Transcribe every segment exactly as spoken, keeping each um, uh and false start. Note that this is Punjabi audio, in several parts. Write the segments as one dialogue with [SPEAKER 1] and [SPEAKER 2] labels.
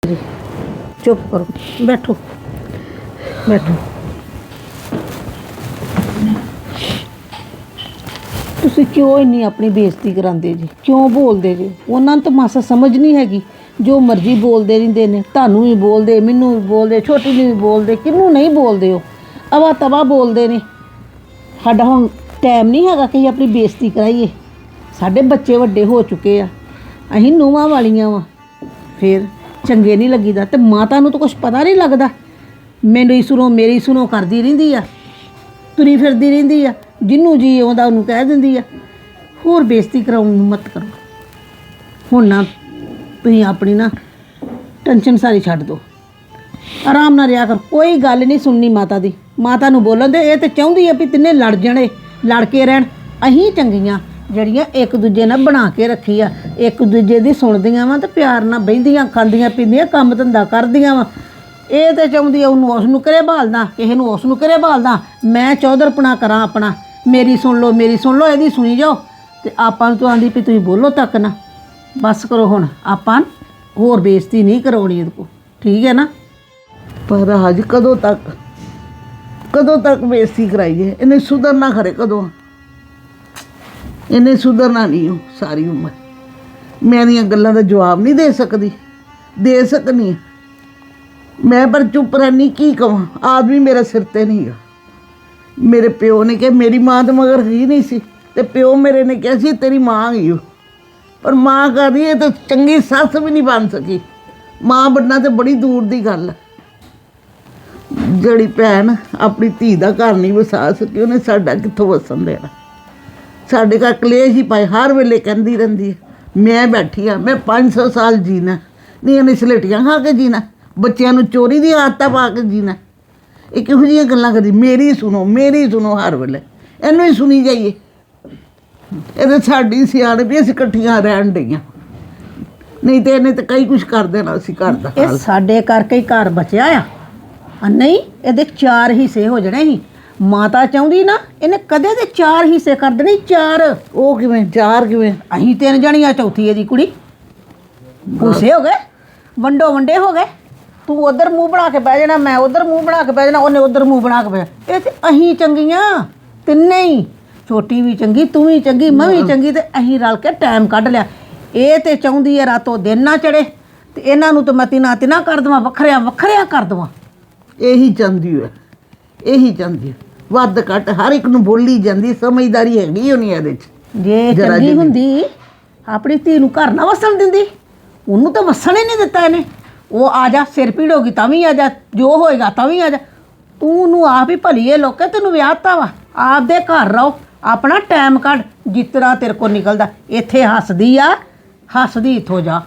[SPEAKER 1] ਸਾਰੀ। ਚੁੱਪ ਕਰੋ, ਬੈਠੋ ਬੈਠੋ। ਤੁਸੀਂ ਕਿਉਂ ਇੰਨੀ ਆਪਣੀ ਬੇਇੱਜ਼ਤੀ ਕਰਾਉਂਦੇ ਜੀ? ਕਿਉਂ ਬੋਲਦੇ ਜੀ? ਉਹਨਾਂ ਨੂੰ ਤਾਂ ਮਾਸਾ ਸਮਝ ਨਹੀਂ ਹੈਗੀ। ਜੋ ਮਰਜ਼ੀ ਬੋਲਦੇ ਰਹਿੰਦੇ ਨੇ, ਤੁਹਾਨੂੰ ਵੀ ਬੋਲਦੇ, ਮੈਨੂੰ ਵੀ ਬੋਲਦੇ, ਛੋਟੀ ਨੂੰ ਵੀ ਬੋਲਦੇ, ਕਿਹਨੂੰ ਨਹੀਂ ਬੋਲਦੇ। ਉਹ ਅਵਾ ਤਵਾ ਬੋਲਦੇ ਨੇ। ਸਾਡਾ ਹੁਣ ਟਾਈਮ ਨਹੀਂ ਹੈਗਾ ਕਿ ਅਸੀਂ ਆਪਣੀ ਬੇਇੱਜ਼ਤੀ ਕਰਾਈਏ। ਸਾਡੇ ਬੱਚੇ ਵੱਡੇ ਹੋ ਚੁੱਕੇ ਆ, ਅਸੀਂ ਨੂੰਹਾਂ ਵਾਲੀਆਂ ਵਾ, ਫਿਰ ਚੰਗੇ ਨਹੀਂ ਲੱਗੀਦਾ। ਅਤੇ ਮਾਤਾ ਨੂੰ ਤਾਂ ਕੁਛ ਪਤਾ ਨਹੀਂ ਲੱਗਦਾ। ਮੇਰੀ ਸੁਣੋ ਮੇਰੀ ਸੁਣੋ ਕਰਦੀ ਰਹਿੰਦੀ ਆ, ਤੁਰੀ ਫਿਰਦੀ ਰਹਿੰਦੀ ਆ, ਜਿਹਨੂੰ ਜੀ ਆਉਂਦਾ ਉਹਨੂੰ ਕਹਿ ਦਿੰਦੀ ਆ। ਹੋਰ ਬੇਇੱਜ਼ਤੀ ਕਰਾਉਣ ਨੂੰ ਮਤ ਕਰੋ। ਹੁਣ ਨਾ ਤੁਸੀਂ ਆਪਣੀ ਨਾ ਟੈਨਸ਼ਨ ਸਾਰੀ ਛੱਡ ਦਿਓ, ਆਰਾਮ ਨਾਲ ਰਿਹਾ ਕਰ। ਕੋਈ ਗੱਲ ਨਹੀਂ ਸੁਣਨੀ ਮਾਤਾ ਦੀ। ਮਾਤਾ ਨੂੰ ਬੋਲਣ ਦੇ। ਇਹ ਤਾਂ ਚਾਹੁੰਦੀ ਆ ਵੀ ਤਿੰਨੇ ਲੜ ਜਾਣੇ, ਲੜ ਕੇ ਰਹਿਣ। ਅਸੀਂ ਚੰਗੀਆਂ ਜਿਹੜੀਆਂ ਇੱਕ ਦੂਜੇ ਨਾਲ ਬਣਾ ਕੇ ਰੱਖੀ ਆ, ਇੱਕ ਦੂਜੇ ਦੀ ਸੁਣਦੀਆਂ ਵਾ ਅਤੇ ਪਿਆਰ ਨਾਲ ਬਹਿੰਦੀਆਂ, ਖਾਂਦੀਆਂ ਪੀਂਦੀਆਂ, ਕੰਮ ਧੰਦਾ ਕਰਦੀਆਂ ਵਾ। ਇਹ ਤਾਂ ਚਾਹੁੰਦੀ ਆ ਉਹਨੂੰ ਉਸ ਨੂੰ ਘਰੇ ਭਾਲਦਾ, ਕਿਸੇ ਨੂੰ ਉਸ ਨੂੰ ਘਰੇ ਭਾਲਦਾ। ਮੈਂ ਚੌਧਰਪਣਾ ਕਰਾਂ ਆਪਣਾ, ਮੇਰੀ ਸੁਣ ਲਓ ਮੇਰੀ ਸੁਣ ਲਓ, ਇਹਦੀ ਸੁਣੀ ਜਾਓ। ਅਤੇ ਆਪਾਂ ਨੂੰ ਤਾਂ ਆਂਦੀ ਵੀ ਤੁਸੀਂ ਬੋਲੋ ਤੱਕ ਨਾ। ਬਸ ਕਰੋ ਹੁਣ, ਆਪਾਂ ਹੋਰ ਬੇਇੱਜ਼ਤੀ ਨਹੀਂ ਕਰਾਉਣੀ ਇਹਦੇ ਕੋਲ, ਠੀਕ ਹੈ ਨਾ?
[SPEAKER 2] ਪਰ ਅੱਜ ਕਦੋਂ ਤੱਕ ਕਦੋਂ ਤੱਕ ਬੇਇੱਜ਼ਤੀ ਕਰਾਈਏ? ਇਹਨੇ ਸੁਧਰਨਾ ਖਰੇ ਕਦੋਂ? ਇਹਨੇ ਸੁਧਰਨਾ ਨਹੀਂ ਹੋ ਸਾਰੀ ਉਮਰ। ਮੈਂ ਇਹਦੀਆਂ ਗੱਲਾਂ ਦਾ ਜਵਾਬ ਨਹੀਂ ਦੇ ਸਕਦੀ, ਦੇ ਸਕਦੀ ਮੈਂ, ਪਰ ਚੁੱਪ ਰਹਿਣੀ। ਕੀ ਕਹਾਂ? ਆਦਮੀ ਮੇਰਾ ਸਿਰ 'ਤੇ ਨਹੀਂ ਗਾ। ਮੇਰੇ ਪਿਓ ਨੇ ਕਿਹਾ ਮੇਰੀ ਮਾਂ ਤਾਂ ਮਗਰ ਹੀ ਨਹੀਂ ਸੀ, ਅਤੇ ਪਿਓ ਮੇਰੇ ਨੇ ਕਿਹਾ ਸੀ ਤੇਰੀ ਮਾਂ ਹੀ ਹੋ। ਪਰ ਮਾਂ ਕਰ ਰਹੀ ਹੈ ਤਾਂ ਚੰਗੀ ਸੱਸ ਵੀ ਨਹੀਂ ਬਣ ਸਕੀ। ਮਾਂ ਬਣਨਾ ਤਾਂ ਬੜੀ ਦੂਰ ਦੀ ਗੱਲ ਹੈ। ਜਿਹੜੀ ਭੈਣ ਆਪਣੀ ਧੀ ਦਾ ਘਰ ਨਹੀਂ ਵਸਾ ਸਕੀ, ਉਹਨੇ ਸਾਡਾ ਕਿੱਥੋਂ ਵਸਣ ਦੇਣਾ? ਸਾਡੇ ਘਰ ਕਲੇਸ਼ ਹੀ ਪਾਏ, ਹਰ ਵੇਲੇ ਕਹਿੰਦੀ ਰਹਿੰਦੀ ਹੈ ਮੈਂ ਬੈਠੀ ਹਾਂ, ਮੈਂ ਪੰਜ ਸੌ ਸਾਲ ਜੀਣਾ ਨਹੀਂ, ਇਹਨੇ ਸਲੇਟੀਆਂ ਖਾ ਕੇ ਜੀਣਾ, ਬੱਚਿਆਂ ਨੂੰ ਚੋਰੀ ਦੀ ਆਦਤਾਂ ਪਾ ਕੇ ਜੀਣਾ। ਇਹ ਕਿਹੋ ਜਿਹੀਆਂ ਗੱਲਾਂ ਕਰਦੀ? ਮੇਰੀ ਸੁਣੋ ਮੇਰੀ ਸੁਣੋ ਹਰ ਵੇਲੇ, ਇਹਨੂੰ ਹੀ ਸੁਣੀ ਜਾਈਏ। ਇਹ ਤਾਂ ਸਾਡੀ ਸਿਆਣ ਵੀ ਅਸੀਂ ਇਕੱਠੀਆਂ ਰਹਿਣ ਡਈਆਂ, ਨਹੀਂ ਤਾਂ ਇਹਨੇ ਤਾਂ ਕਈ ਕੁਛ ਕਰ ਦੇਣਾ ਸੀ ਘਰ ਦਾ।
[SPEAKER 1] ਇਹ ਸਾਡੇ ਕਰਕੇ ਹੀ ਘਰ ਬਚਿਆ ਆ, ਆ ਨਹੀਂ ਇਹਦੇ ਚਾਰ ਹਿੱਸੇ ਹੋ ਜਾਣੇ ਸੀ। ਮਾਤਾ ਚਾਹੁੰਦੀ ਨਾ, ਇਹਨੇ ਕਦੇ ਦੇ ਚਾਰ ਹਿੱਸੇ ਕਰ ਦੇਣੇ। ਚਾਰ।
[SPEAKER 2] ਉਹ ਕਿਵੇਂ? ਚਾਰ ਕਿਵੇਂ?
[SPEAKER 1] ਅਸੀਂ ਤਿੰਨ ਜਣੀਆਂ, ਚੌਥੀ ਇਹਦੀ ਕੁੜੀ। ਭੂਸੇ ਹੋ ਗਏ, ਵੰਡੋ ਵੰਡੇ ਹੋ ਗਏ। ਤੂੰ ਉਧਰ ਮੂੰਹ ਬਣਾ ਕੇ ਬਹਿ ਜਾਣਾ, ਮੈਂ ਉਧਰ ਮੂੰਹ ਬਣਾ ਕੇ ਬਹਿ ਜਾਣਾ, ਉਹਨੇ ਉਧਰ ਮੂੰਹ ਬਣਾ ਕੇ ਬਹਿ ਜਾਣਾ। ਇਹ ਤੇ ਅਸੀਂ ਚੰਗੀਆਂ ਤਿੰਨੇ ਹੀ, ਛੋਟੀ ਵੀ ਚੰਗੀ, ਤੂੰ ਵੀ ਚੰਗੀ, ਮੈਂ ਵੀ ਚੰਗੀ, ਤੇ ਅਸੀਂ ਰਲ ਕੇ ਟਾਈਮ ਕੱਢ ਲਿਆ। ਇਹ ਤੇ ਚਾਹੁੰਦੀ ਹੈ ਰਾਤੋਂ ਦਿਨ ਨਾ ਚੜੇ, ਤੇ ਇਹਨਾਂ ਨੂੰ ਤਾਂ ਮੈਂ ਤਿਨਾ ਤਿਨਾ ਕਰ ਦੇਵਾਂ, ਵੱਖਰਿਆ ਵੱਖਰਿਆ ਕਰ ਦੇਵਾਂ।
[SPEAKER 2] ਇਹੀ ਚਾਹੁੰਦੀ ਹੈ, ਇਹੀ ਚਾਹੁੰਦੀ ਹੈ। ਵੱਧ ਘੱਟ ਹਰ ਇੱਕ ਨੂੰ ਬੋਲੀ ਜਾਂਦੀ, ਸਮਝਦਾਰੀ ਹੈਗੀ ਹੋਣੀ ਇਹਦੇ 'ਚ।
[SPEAKER 1] ਜੇ ਚੰਗੀ ਹੁੰਦੀ ਆਪਣੀ ਧੀ ਨੂੰ ਘਰ ਨਾ ਵਸਣ ਦਿੰਦੀ, ਉਹਨੂੰ ਤਾਂ ਵਸਣ ਹੀ ਨਹੀਂ ਦਿੱਤਾ ਇਹਨੇ। ਉਹ ਆ ਜਾ, ਸਿਰ ਪੀੜ ਹੋ ਗਈ ਤਾਂ ਵੀ ਆ ਜਾ, ਜੋ ਹੋਏਗਾ ਤਾਂ ਵੀ ਆ ਜਾ। ਤੂੰ ਉਹਨੂੰ ਆਪ ਹੀ ਭਲੀਏ ਲੋਕੇ, ਤੈਨੂੰ ਵਿਆਹਤਾ ਵਾ, ਆਪਦੇ ਘਰ ਰਹੋ, ਆਪਣਾ ਟਾਈਮ ਕੱਢ, ਜਿਸ ਤਰ੍ਹਾਂ ਤੇਰੇ ਕੋਲ ਨਿਕਲਦਾ। ਇੱਥੇ ਹੱਸਦੀ ਆ, ਹੱਸਦੀ ਇੱਥੋਂ ਜਾ,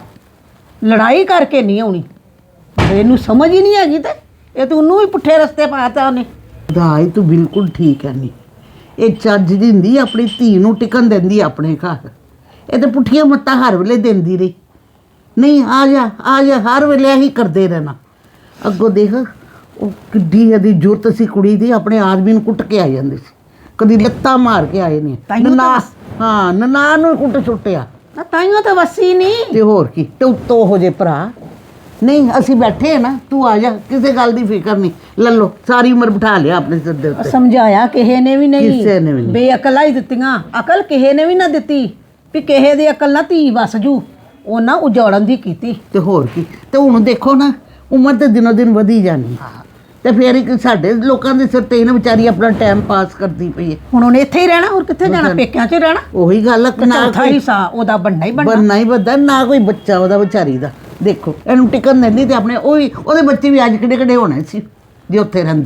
[SPEAKER 1] ਲੜਾਈ ਕਰਕੇ ਨਹੀਂ ਆਉਣੀ। ਇਹਨੂੰ ਸਮਝ ਹੀ ਨਹੀਂ ਹੈਗੀ, ਤੇ ਇਹ ਤਾਂ ਉਹਨੂੰ ਵੀ ਪੁੱਠੇ ਰਸਤੇ ਪਾਤਾ ਉਹਨੇ।
[SPEAKER 2] ਦਾਈ ਤੂੰ ਬਿਲਕੁਲ ਠੀਕ ਹੈ। ਨਹੀਂ ਇਹ ਚੱਜ ਦੀ ਹੁੰਦੀ, ਆਪਣੀ ਧੀ ਨੂੰ ਟਿਕਣ ਦਿੰਦੀ ਆਪਣੇ ਘਰ। ਇਹ ਤਾਂ ਪੁੱਠੀਆਂ ਮੱਤਾਂ ਹਰ ਵੇਲੇ ਦਿੰਦੀ ਰਹੀ। ਨਹੀਂ ਆ ਜਾ ਆ ਜਾ, ਹਰ ਵੇਲੇ ਇਹੀ ਕਰਦੇ ਰਹਿਣਾ। ਅੱਗੋਂ ਦੇਖ ਉਹ ਕਿੱਡੀ ਇਹਦੀ ਜ਼ਰੂਰਤ ਸੀ ਕੁੜੀ ਦੀ, ਆਪਣੇ ਆਦਮੀ ਨੂੰ ਕੁੱਟ ਕੇ ਆ ਜਾਂਦੀ ਸੀ, ਕਦੀ ਲੱਤਾਂ ਮਾਰ ਕੇ ਆਏ ਨੇ। ਨਨਾ ਹਾਂ ਨਨਾਣ ਨੂੰ ਕੁੱਟ ਸੁੱਟਿਆ,
[SPEAKER 1] ਤਾਈਓ ਤਾਂ ਵਸੀ ਨਹੀਂ।
[SPEAKER 2] ਤੇ ਹੋਰ ਕੀ, ਤੇ ਉੱਤੋਂ ਹੋ ਜੇ ਭਰਾ। ਨਹੀਂ ਅਸੀਂ ਬੈਠੇ ਆ ਨਾ, ਤੂੰ ਆ ਜਾ, ਕਿਸੇ ਗੱਲ ਦੀ ਫਿਕਰ ਨਹੀਂ। ਲੈ ਲਓ, ਸਾਰੀ ਉਮਰ ਬਿਠਾ ਲਿਆ ਆਪਣੇ ਸਿਰ ਦੇ ਉੱਤੇ।
[SPEAKER 1] ਸਮਝਾਇਆ ਕਿਸੇ ਨੇ ਵੀ ਨਹੀਂ,
[SPEAKER 2] ਕਿਸੇ ਨੇ ਵੀ ਨਹੀਂ।
[SPEAKER 1] ਬੇਅਕਲਾਂ ਹੀ ਦਿੱਤੀਆਂ। ਅਕਲ ਕਿਸੇ ਨੇ ਵੀ ਨਾ ਦਿੱਤੀ ਵੀ ਕਿਸੇ ਦੀ ਅਕਲ ਨਾਲ ਧੀ ਵਸ ਜੂ, ਉਹਨਾਂ ਉਜਾੜਨ ਦੀ ਕੀਤੀ।
[SPEAKER 2] ਤੇ ਹੋਰ ਕੀ। ਤੇ ਹੁਣ ਦੇਖੋ ਨਾ, ਉਮਰ ਤੇ ਦਿਨੋਂ ਦਿਨ ਵਧੀ ਜਾਣੀ, ਤੇ ਫਿਰ ਇੱਕ ਸਾਡੇ ਲੋਕਾਂ ਦੇ ਸਿਰ ਤੇ ਇਹਨਾਂ ਵਿਚਾਰੀ ਆਪਣਾ ਟਾਈਮ ਪਾਸ ਕਰਦੀ ਪਈ ਹੈ।
[SPEAKER 1] ਹੁਣ ਉਹਨੇ ਇੱਥੇ ਹੀ ਰਹਿਣਾ, ਹੋਰ ਕਿੱਥੇ ਜਾਣਾ? ਪੇਕਿਆਂ 'ਚ ਰਹਿਣਾ।
[SPEAKER 2] ਉਹੀ ਗੱਲ ਹੈ, ਨਾ
[SPEAKER 1] ਕੋਈ ਸਾ ਉਹਦਾ ਬਣਨਾ ਹੀ ਬਣਨਾ,
[SPEAKER 2] ਬਣਨਾ ਹੀ ਬਣਦਾ, ਨਾ ਕੋਈ ਬੱਚਾ ਉਹਦਾ ਵਿਚਾਰੀ ਦਾ। ਦੇਖੋ ਇਹਨੂੰ ਟਿਕਣ ਦਿੰਦੀ, ਤੇ ਆਪਣੇ ਉਹ ਵੀ ਉਹਦੇ ਬੱਚੇ ਵੀ ਅੱਜ ਕਿਹੜੇ ਕਿਹੜੇ ਹੋਣੇ ਸੀ ਜੇ ਉੱਥੇ ਰਹਿੰਦੀ।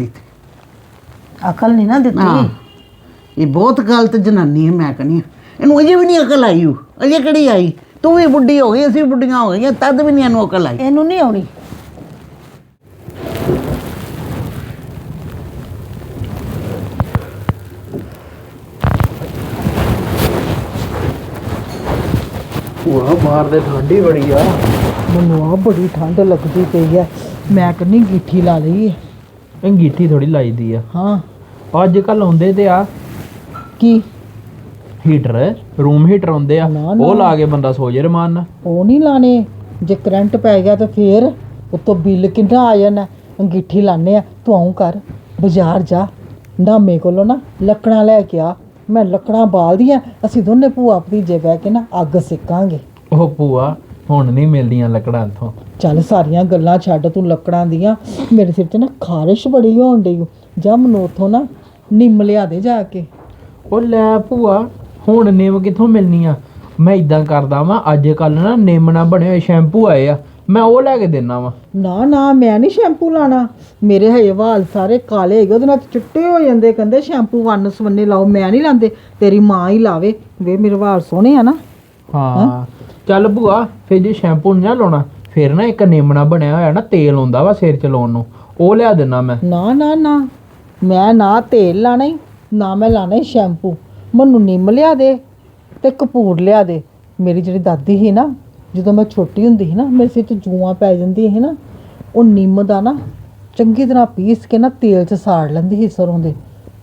[SPEAKER 2] ਤੇ
[SPEAKER 1] ਅਕਲ ਨਹੀਂ ਨਾ ਦਿੱਤੀ।
[SPEAKER 2] ਇਹ ਬਹੁਤ ਗਲਤ ਜਨਾਨੀ ਹੈ, ਮੈਂ ਕਹਿੰਦੀ ਹਾਂ। ਇਹਨੂੰ ਅਜੇ ਵੀ ਨਹੀਂ ਅਕਲ ਆਈ, ਉਹ ਅਜੇ ਕਿਹੜੀ ਆਈ? ਤੂੰ ਵੀ ਬੁੱਢੀ ਹੋ ਗਈ, ਅਸੀਂ ਵੀ ਬੁੱਢੀਆਂ ਹੋ ਗਈਆਂ, ਤਦ ਵੀ ਨਹੀਂ ਇਹਨੂੰ ਅਕਲ ਆਈ।
[SPEAKER 1] ਇਹਨੂੰ ਨਹੀਂ ਆਉਣੀ।
[SPEAKER 3] ਭੂਆ ਬਾਹਰ ਦੇ ਠੰਡ ਹੀ ਬੜੀ ਆ।
[SPEAKER 4] ਮੈਨੂੰ ਆ ਬੜੀ ਠੰਡ ਲੱਗਦੀ ਪਈ ਹੈ, ਮੈਂ ਕਹਿੰਦੀ ਗਿੱਠੀ ਲਾ ਲਈ।
[SPEAKER 3] ਅੰਗੀਠੀ ਥੋੜੀ ਲਾਈਦੀ ਆ।
[SPEAKER 4] ਹਾਂ
[SPEAKER 3] ਅੱਜ ਕੱਲ ਆਉਂਦੇ ਤੇ ਆ
[SPEAKER 4] ਕੀ
[SPEAKER 3] ਹੀਟਰ, ਰੂਮ ਹੀਟਰ ਆਉਂਦੇ ਆ,
[SPEAKER 4] ਨਾ, ਨਾ।
[SPEAKER 3] ਉਹ ਲਾ ਕੇ ਬੰਦਾ ਸੋ ਜੇ ਰਮਾਨ ਨਾਲ।
[SPEAKER 4] ਉਹ ਨਹੀਂ ਲਾਣੇ, ਜੇ ਕਰੰਟ ਪੈ ਗਿਆ ਤਾਂ ਫੇਰ ਉਤੋਂ ਬਿੱਲ ਕਿੰਨਾ ਆ ਜਾਣਾ। ਅੰਗੀਠੀ ਲਾਣੇ ਆ, ਤੂੰ ਆਉਂ ਕਰ ਬਾਜ਼ਾਰ ਜਾ, ਨਾਮੇ ਕੋਲੋਂ ਨਾ ਲੱਕੜਾਂ ਲੈ ਕੇ ਆ। ਮੈਂ ਲੱਕੜਾਂ ਬਾਲਦੀਆਂ, ਅਸੀਂ ਦੋਨੇ ਭੂਆ ਭਤੀਜੇ ਬਹਿ ਕੇ ਨਾ ਅੱਗ ਸੇਕਾਂਗੇ।
[SPEAKER 3] ਉਹ ਭੂਆ ਹੁਣ ਨਹੀਂ ਮਿਲਦੀਆਂ ਲੱਕੜਾਂ ਇੱਥੋਂ।
[SPEAKER 4] ਚੱਲ ਸਾਰੀਆਂ ਗੱਲਾਂ ਛੱਡ, ਤੂੰ ਲੱਕੜਾਂ ਦੀਆਂ, ਮੇਰੇ ਸਿਰ 'ਚ ਨਾ ਖਾਰਿਸ਼ ਬੜੀ ਹੋਣ ਡਈ ਓ। ਜਾ ਮੈਨੂੰ ਉੱਥੋਂ ਨਾ ਨਿੰਮ ਲਿਆ ਦੇ ਜਾ ਕੇ।
[SPEAKER 3] ਉਹ ਲੈ ਭੂਆ ਹੁਣ ਨਿੰਮ ਕਿੱਥੋਂ ਮਿਲਣੀ ਆ? ਮੈਂ ਇਦਾਂ ਕਰਦਾ ਵਾਂ, ਅੱਜ ਕੱਲ ਨਾ ਨਿੰਮ ਨਾਲ ਬਣੇ ਹੋਏ ਸ਼ੈਂਪੂ ਆਏ ਆ, ਮੈਂ ਉਹ ਲੈ ਕੇ ਦੇਣਾ ਵਾ।
[SPEAKER 4] ਨਾ ਨਾ ਮੈਂ ਨਹੀਂ ਸ਼ੈਂਪੂ ਲਾਣਾ, ਮੇਰੇ ਹਜੇ ਵਾਲ ਸਾਰੇ ਕਾਲੇ ਹੈਗੇ, ਉਹਦੇ ਨਾਲ ਚਿੱਟੇ ਹੋ ਜਾਂਦੇ। ਕਹਿੰਦੇ ਸ਼ੈਂਪੂ ਵੰਨ ਸਵੰਨੇ ਲਾਓ, ਮੈਂ ਨਹੀਂ ਲਾਉਂਦੇ, ਤੇਰੀ ਮਾਂ ਹੀ ਲਾਵੇ। ਵੇ ਮੇਰੇ ਵਾਲ ਸੋਹਣੇ ਆ ਨਾ।
[SPEAKER 3] ਹਾਂ ਚੱਲ ਭੂਆ, ਫਿਰ ਜੇ ਸ਼ੈਂਪੂ ਨਹੀਂ ਨਾ ਲਾਉਣਾ, ਫਿਰ ਨਾ ਇੱਕ ਨਿੰਮ ਨਾਲ ਬਣਿਆ ਹੋਇਆ ਨਾ ਤੇਲ ਆਉਂਦਾ ਵਾ ਸਿਰ ਚ ਲਾਉਣ ਨੂੰ, ਉਹ ਲਿਆ ਦੇਣਾ ਮੈਂ।
[SPEAKER 4] ਨਾ ਨਾ ਨਾ ਮੈਂ ਨਾ ਤੇਲ ਲਾਣਾ ਹੀ, ਨਾ ਮੈਂ ਲਾਣਾ ਹੀ ਸ਼ੈਂਪੂ। ਮੈਨੂੰ ਨਿੰਮ ਲਿਆ ਦੇ ਤੇ ਕਪੂਰ ਲਿਆ ਦੇ। ਮੇਰੀ ਜਿਹੜੀ ਦਾਦੀ ਸੀ ਨਾ, ਜਦੋਂ ਮੈਂ ਛੋਟੀ ਹੁੰਦੀ ਸੀ ਨਾ, ਮੇਰੇ ਸਿਰ 'ਚ ਜੂਆਂ ਪੈ ਜਾਂਦੀਆਂ ਸੀ ਨਾ, ਉਹ ਨਿੰਮ ਦਾ ਨਾ ਚੰਗੀ ਤਰ੍ਹਾਂ ਪੀਸ ਕੇ ਨਾ ਤੇਲ 'ਚ ਸਾੜ ਲੈਂਦੀ ਸੀ ਸਰੋਂ ਦੇ।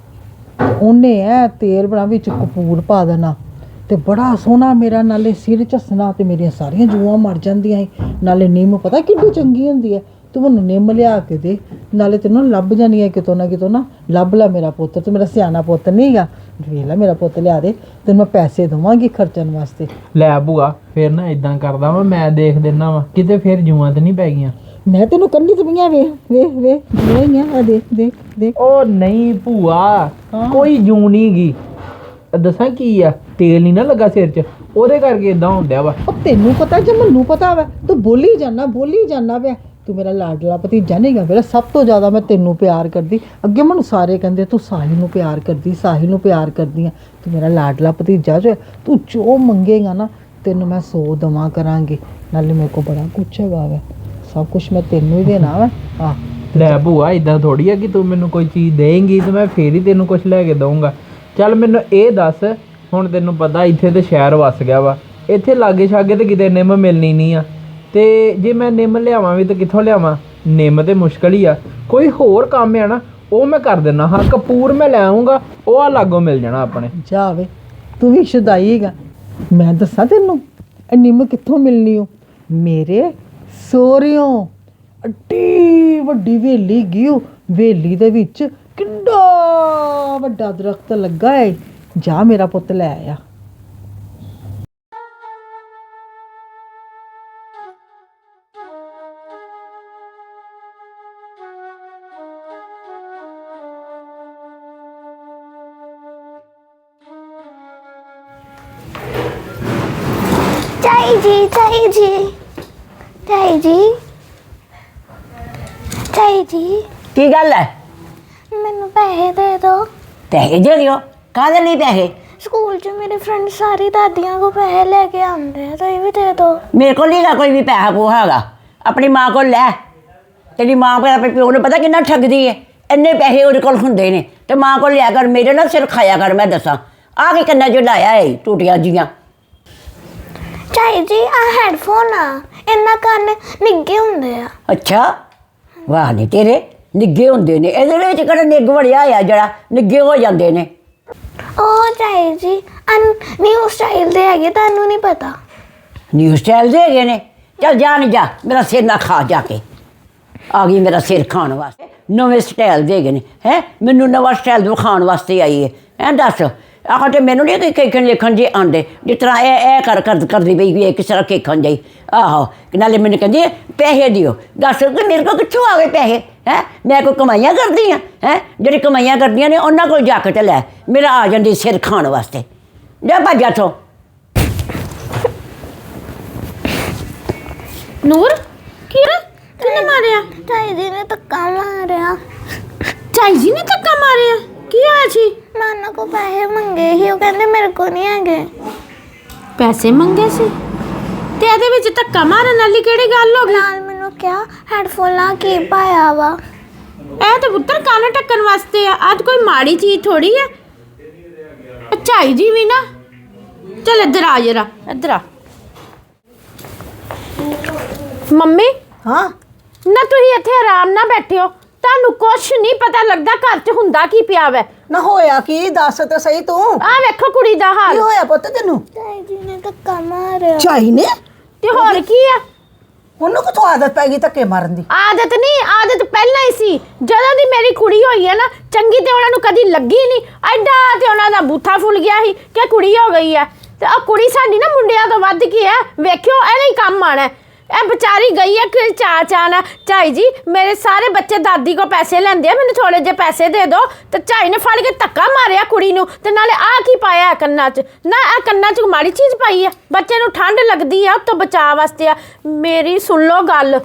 [SPEAKER 4] ਉਹਨੇ ਐ ਤੇਲ ਬਣਾ ਵਿੱਚ ਕਪੂਰ ਪਾ ਦੇਣਾ ਤੇ ਬੜਾ ਸੋਹਣਾ ਮੇਰਾ ਨਾਲੇ ਸਿਰ ਝੱਸਣਾ ਤੇ ਮੇਰੀਆਂ ਸਾਰੀਆਂ ਜੂਆਂ ਮਰ ਜਾਂਦੀਆਂ ਸੀ। ਨਾਲੇ ਨਿੰਮ ਪਤਾ ਕਿੰਨੀ ਚੰਗੀ ਹੁੰਦੀ ਹੈ। ਤੂੰ ਮੈਨੂੰ ਨਿੰਮ ਲਿਆ ਕੇ ਦੇ, ਨਾਲੇ ਤੈਨੂੰ ਲੱਭ ਜਾਣੀ ਹੈ ਕਿਤੋਂ ਨਾ ਕਿਤੋਂ ਨਾ। ਲੱਭ ਲੈ ਮੇਰਾ ਪੁੱਤ, ਤੂੰ ਮੇਰਾ ਸਿਆਣਾ ਪੁੱਤ ਨਹੀਂ ਹੈਗਾ। ਵੇਖ ਲੈ ਮੇਰਾ ਪੁੱਤ ਲਿਆ ਦੇ, ਤੈਨੂੰ ਮੈਂ ਪੈਸੇ ਦੇਵਾਂਗੀ ਖਰਚਣ ਵਾਸਤੇ।
[SPEAKER 3] ਲੈ ਭੂਆ ਫਿਰ ਨਾ ਇਦਾਂ ਕਰਦਾ ਵਾ, ਮੈਂ ਦੇਖ ਦਿੰਦਾ ਵਾ ਕਿਤੇ ਫਿਰ ਜੂਆਂ ਤੇ ਨਹੀਂ ਪੈ ਗਈਆਂ।
[SPEAKER 4] ਮੈਂ ਤੈਨੂੰ ਕੰਨੀ ਤਵੀਆਂ ਵੇਖ ਵੇਖ ਵੇਖ ਜੂਆਂ ਆ, ਦੇਖ ਦੇਖ ਦੇਖ।
[SPEAKER 3] ਉਹ ਨਹੀਂ ਭੂਆ, ਕੋਈ ਜੂ ਨਹੀਂ ਗੀ। ਦੱਸਾਂ ਕੀ ਆ, ਤੇਲ ਨਹੀਂ ਨਾ ਲੱਗਾ ਸਿਰ 'ਚ, ਉਹਦੇ ਕਰਕੇ ਇਦਾਂ ਹੁੰਦਾ ਵਾ।
[SPEAKER 4] ਉਹ ਤੈਨੂੰ ਪਤਾ ਜੇ ਮੈਨੂੰ ਪਤਾ ਵਾ, ਤੂੰ ਬੋਲੀ ਜਾਣਾ ਬੋਲੀ ਜਾਣਾ ਪਿਆ। ਤੂੰ ਮੇਰਾ ਲਾਡਲਾ ਭਤੀਜਾ ਨਹੀਂ ਗਾ, ਮੇਰਾ ਸਭ ਤੋਂ ਜ਼ਿਆਦਾ ਮੈਂ ਤੈਨੂੰ ਪਿਆਰ ਕਰਦੀ। ਅੱਗੇ ਮੈਨੂੰ ਸਾਰੇ ਕਹਿੰਦੇ ਤੂੰ ਸਾਹਿਲ ਨੂੰ ਪਿਆਰ ਕਰਦੀ, ਸਾਹਿਲ ਨੂੰ ਪਿਆਰ ਕਰਦੀ ਆ। ਤੂੰ ਮੇਰਾ ਲਾਡਲਾ ਭਤੀਜਾ ਜੋ, ਤੂੰ ਜੋ ਮੰਗੇਗਾ ਨਾ ਤੈਨੂੰ ਮੈਂ ਸੌ ਦਵਾਂ ਕਰਾਂਗੀ। ਨਾਲੇ ਮੇਰੇ ਕੋਲ ਬੜਾ ਕੁਛ ਹੈਗਾ ਵਾ, ਸਭ ਕੁਛ ਮੈਂ ਤੈਨੂੰ ਹੀ ਦੇਣਾ ਵਾ। ਆ
[SPEAKER 3] ਲੈ ਭੂਆ ਇਦਾਂ ਥੋੜੀ ਆ ਕਿ ਤੂੰ ਮੈਨੂੰ ਕੋਈ ਚੀਜ਼ ਦੇਂਗੀ ਤੇ ਮੈਂ ਫੇਰ ਹੀ ਤੈਨੂੰ ਕੁਝ ਲੈ ਕੇ ਦਊਂਗਾ। ਚੱਲ ਮੈਨੂੰ ਇਹ ਦੱਸ, ਹੁਣ ਤੈਨੂੰ ਪਤਾ ਇੱਥੇ ਤੇ ਸ਼ਹਿਰ ਵਸ ਗਿਆ ਵਾ, ਇੱਥੇ ਲਾਗੇ ਛਾਗੇ ਤੇ ਕਿਤੇ ਨਿੰਮ ਮਿਲਣੀ ਨਹੀਂ ਆ, ਤੇ ਜੇ ਮੈਂ ਨਿੰਮ ਲਿਆਵਾਂ ਵੀ ਤਾਂ ਕਿੱਥੋਂ ਲਿਆਵਾਂ? ਨਿੰਮ ਤੇ ਮੁਸ਼ਕਲ ਹੀ ਆ। ਕੋਈ ਹੋਰ ਕੰਮ ਆ ਨਾ ਉਹ ਮੈਂ ਕਰ ਦਿੰਦਾ ਹਾਂ। ਕਪੂਰ ਮੈਂ ਲੈ ਆਊਂਗਾ, ਉਹ ਆ ਲਾਗੋਂ ਮਿਲ ਜਾਣਾ ਆਪਣੇ।
[SPEAKER 4] ਜਾ ਵੇ, ਤੂੰ ਵੀ ਸ਼ੁਦਾਈ ਹੈਗਾ। ਮੈਂ ਦੱਸਾਂ ਤੈਨੂੰ ਇਹ ਨਿੰਮ ਕਿੱਥੋਂ ਮਿਲਣੀ ਓ? ਮੇਰੇ ਸੋਹਰਿਓਂ ਅੱਡੀ ਵੱਡੀ ਵੇਲੀ ਗਈ ਓ, ਵੇਲੀ ਦੇ ਵਿੱਚ ਕਿੰਨਾ ਵੱਡਾ ਦਰਖਤ ਲੱਗਾ ਹੈ। ਜਾ ਮੇਰਾ ਪੁੱਤ ਲੈ ਆ।
[SPEAKER 5] ਚਾਈ ਜੀ ਚਾਈ ਜੀ ਚਾਈ ਜੀ ਚਾਈ ਜੀ
[SPEAKER 6] ਕੀ ਗੱਲ ਹੈ?
[SPEAKER 5] ਮੈਨੂੰ ਪੈਸੇ ਦੇ ਦਿਓ।
[SPEAKER 6] ਪੈਸੇ ਦੇ ਦਿਓ? ਕਾਹਦੇ ਲਈ ਪੈਸੇ?
[SPEAKER 5] ਸਕੂਲ 'ਚ ਮੇਰੇ ਫਰੈਂਡ ਸਾਰੀ ਦਾਦੀਆਂ ਕੋ ਪੈਸੇ ਲੈ ਕੇ ਆਉਂਦੇ ਆ, ਤੁਸੀਂ ਵੀ ਦੇ ਦਿਓ।
[SPEAKER 6] ਮੇਰੇ ਕੋਲ ਨਹੀਂ ਗਾ ਕੋਈ ਵੀ ਪੈਸਾ ਪੂਹਾ ਹੈਗਾ, ਆਪਣੀ ਮਾਂ ਕੋਲ ਲੈ। ਤੇਰੀ ਮਾਂ ਕੋਲ ਆਪਣੇ ਪਿਓ ਨੂੰ ਪਤਾ ਕਿੰਨਾ ਠੱਗਦੀ ਹੈ, ਇੰਨੇ ਪੈਸੇ ਉਹਦੇ ਕੋਲ ਹੁੰਦੇ ਨੇ, ਤੇ ਮਾਂ ਕੋਲ ਲਿਆ ਕਰ, ਮੇਰੇ ਨਾਲ ਸਿਰ ਖਾਇਆ ਕਰ। ਮੈਂ ਦੱਸਾਂ ਆ ਕੇ ਕੰਨਾਂ 'ਚ ਲਾਇਆ ਹੈ ਟੂਟੀਆਂ ਜੀਆਂ।
[SPEAKER 5] ਚਾਈ ਜੀ ਆ ਹੈਡਫੋਨ ਆ, ਇਹਨਾਂ ਕੰਨ ਨਿੱਗੇ ਹੁੰਦੇ ਆ।
[SPEAKER 6] ਅੱਛਾ, ਵਾਹ ਨਹੀਂ ਤੇਰੇ ਨਿੱਗੇ ਹੁੰਦੇ ਨੇ, ਇਹਦੇ ਵਿੱਚ ਕਿਹੜਾ ਨਿੱਗ ਵੜਿਆ ਆ ਜਿਹੜਾ ਨਿੱਗੇ ਹੋ ਜਾਂਦੇ ਨੇ?
[SPEAKER 5] ਉਹ ਚਾਈ ਜੀ ਨਿਊ ਸਟਾਈਲ ਦੇ ਹੈਗੇ, ਤੁਹਾਨੂੰ ਨਹੀਂ ਪਤਾ।
[SPEAKER 6] ਨਿਊ ਸਟਾਈਲ ਦੇ ਹੈਗੇ ਨੇ? ਚੱਲ ਜਾ ਨਹੀਂ ਜਾ, ਮੇਰਾ ਸਿਰ ਨਾ ਖਾ ਜਾ ਕੇ। ਆ ਗਈ ਮੇਰਾ ਸਿਰ ਖਾਣ ਵਾਸਤੇ, ਨਵੇਂ ਸਟਾਈਲ ਦੇ ਹੈਗੇ ਨੇ। ਹੈ ਮੈਨੂੰ ਨਵਾਂ ਸਟਾਈਲ ਵਿਖਾਉਣ ਵਾਸਤੇ ਆਈ ਹੈ। ਐਂ ਦੱਸ ਆਹ ਤੇ ਮੈਨੂੰ ਨਹੀਂ ਕੇਖਣ ਲਿਖਣ ਜੇ ਆਉਂਦੇ, ਜਿਸ ਤਰ੍ਹਾਂ ਇਹ ਇਹ ਕਰ ਕਰ ਕਰਦੀ ਪਈ ਵੀ ਇਹ ਕਿਸ ਤਰ੍ਹਾਂ ਕੇਖਣ ਜਾਈ। ਆਹੋ ਨਾਲੇ ਮੈਨੂੰ ਕਹਿੰਦੀ ਪੈਸੇ ਦਿਓ। ਦੱਸ ਕਿ ਮੇਰੇ ਕੋਲ ਕਿੱਥੋਂ ਆ ਗਏ ਪੈਸੇ? ਹੈ ਮੈਂ ਕੋਈ ਕਮਾਈਆਂ ਕਰਦੀ ਹਾਂ? ਹੈ ਜਿਹੜੀ ਕਮਾਈਆਂ ਕਰਦੀਆਂ ਨੇ ਉਹਨਾਂ ਕੋਲ ਜਾ ਕੇ ਤੇ ਲੈ, ਮੇਰਾ ਆ ਜਾਂਦੀ ਸਿਰ ਖਾਣ ਵਾਸਤੇ। ਜਾ ਭੱਜ ਇੱਥੋਂ।
[SPEAKER 5] ਨੂਰ ਕੀ ਕਿਹਨੇ ਮਾਰਿਆ? ਚਾਈ ਜੀ ਨੇ ਧੱਕਾ ਮਾਰਿਆ। ਚਾਈ ਜੀ ਨੇ ਧੱਕਾ ਮਾਰਿਆ? ਕੀ ਹੋਇਆ ਸੀ? ਨਾਨਾ ਕੋ ਪੈਸੇ ਮੰਗੇ ਸੀ, ਉਹ ਕਹਿੰਦੇ ਮੇਰੇ ਕੋ ਨਹੀਂ ਹੈਗੇ।
[SPEAKER 7] ਪੈਸੇ ਮੰਗੇ ਸੀ ਤੇ ਇਹਦੇ ਵਿੱਚ ਧੱਕਾ ਮਾਰਨ ਵਾਲੀ ਕਿਹੜੀ ਗੱਲ ਹੋ ਗਈ?
[SPEAKER 5] ਨਾਲ ਮੈਨੂੰ ਕਿਹਾ ਹੈਡਫੋਨ ਲਾ ਕੇ ਪਾਇਆ ਵਾ।
[SPEAKER 7] ਇਹ ਤਾਂ ਪੁੱਤਰ ਕੰਨ ਢੱਕਣ ਵਾਸਤੇ ਆ, ਅੱਜ ਕੋਈ ਮਾੜੀ ਚੀਜ਼ ਥੋੜੀ ਆ। ਝਾਈ ਜੀ ਵੀ ਨਾ, ਚੱਲ ਇੱਧਰ ਆ ਜਰਾ, ਇੱਧਰ ਆ। ਮੰਮੀ
[SPEAKER 1] ਹਾਂ
[SPEAKER 7] ਨਾ ਤੁਸੀਂ ਇੱਥੇ ਆਰਾਮ ਨਾਲ ਬੈਠੇ ਹੋ, ਤੁਹਾਨੂੰ ਕੁਛ ਨਹੀਂ ਪਤਾ ਲੱਗਦਾ ਘਰ 'ਚ ਹੁੰਦਾ ਕੀ ਪਿਆ ਵੈ।
[SPEAKER 1] ਨਾ ਹੋਇਆ ਕੀ, ਦੱਸ ਤਾਂ ਸਹੀ ਤੂੰ।
[SPEAKER 7] ਆਹ ਵੇਖੋ ਕੁੜੀ ਦਾ ਹਾਲ।
[SPEAKER 1] ਕੀ ਹੋਇਆ ਪੁੱਤ ਤੈਨੂੰ?
[SPEAKER 5] ਚਾਈ ਜੀ ਨੇ ਧੱਕਾ ਮਾਰਿਆ।
[SPEAKER 1] ਚਾਈ ਨੇ?
[SPEAKER 7] ਤੇ ਹੋਰ ਕੀ ਆ?
[SPEAKER 2] ਉਹਨੂੰ ਕਿਥੋਂ ਆਦਤ ਪੈ ਗਈ ਧੱਕੇ ਮਾਰਨ ਦੀ?
[SPEAKER 7] ਆਦਤ ਨਹੀਂ, ਆਦਤ ਪਹਿਲਾਂ ਹੀ ਸੀ। ਜਦੋਂ ਦੀ ਮੇਰੀ ਕੁੜੀ ਹੋਈ ਹੈ ਨਾ, ਚੰਗੀ ਤੇ ਉਹਨਾਂ ਨੂੰ ਕਦੀ ਲੱਗੀ ਨਹੀਂ। ਐਡਾ ਤੇ ਉਹਨਾਂ ਦਾ ਬੂਥਾ ਫੁੱਲ ਗਿਆ ਸੀ ਕਿ ਕੁੜੀ ਹੋ ਗਈ ਹੈ। ਤੇ ਆ ਕੁੜੀ ਸਾਡੀ ਨਾ ਮੁੰਡਿਆਂ ਤੋਂ ਵੱਧ ਕੀ ਹੈ, ਵੇਖਿਓ ਇਹਨੇ ਹੀ ਕੰਮ ਆਣਾ। ਇਹ ਵਿਚਾਰੀ ਗਈ ਹੈ ਕਿ ਚਾ ਚਾ ਨਾ, ਝਾਈ ਜੀ ਮੇਰੇ ਸਾਰੇ ਬੱਚੇ ਦਾਦੀ ਕੋ ਪੈਸੇ ਲੈਂਦੇ ਆ, ਮੈਨੂੰ ਥੋੜੇ ਜਿਹੇ ਪੈਸੇ ਦੇ ਦਿਓ। ਤੇ ਝਾਈ ਨੇ ਫੜ ਕੇ ਧੱਕਾ ਮਾਰਿਆ ਕੁੜੀ ਨੂੰ, ਤੇ ਨਾਲੇ ਆ ਕੀ ਪਾਇਆ ਹੈ ਕੰਨਾਂ 'ਚ? ਨਾ ਇਹ ਕੰਨਾਂ 'ਚ ਮਾੜੀ ਚੀਜ਼ ਪਾਈ ਹੈ, ਬੱਚੇ ਨੂੰ ਠੰਡ ਲੱਗਦੀ ਆ, ਉਹ ਤੋਂ ਬਚਾਅ ਵਾਸਤੇ ਆ। ਮੇਰੀ ਸੁਣ ਲਓ ਗੱਲ,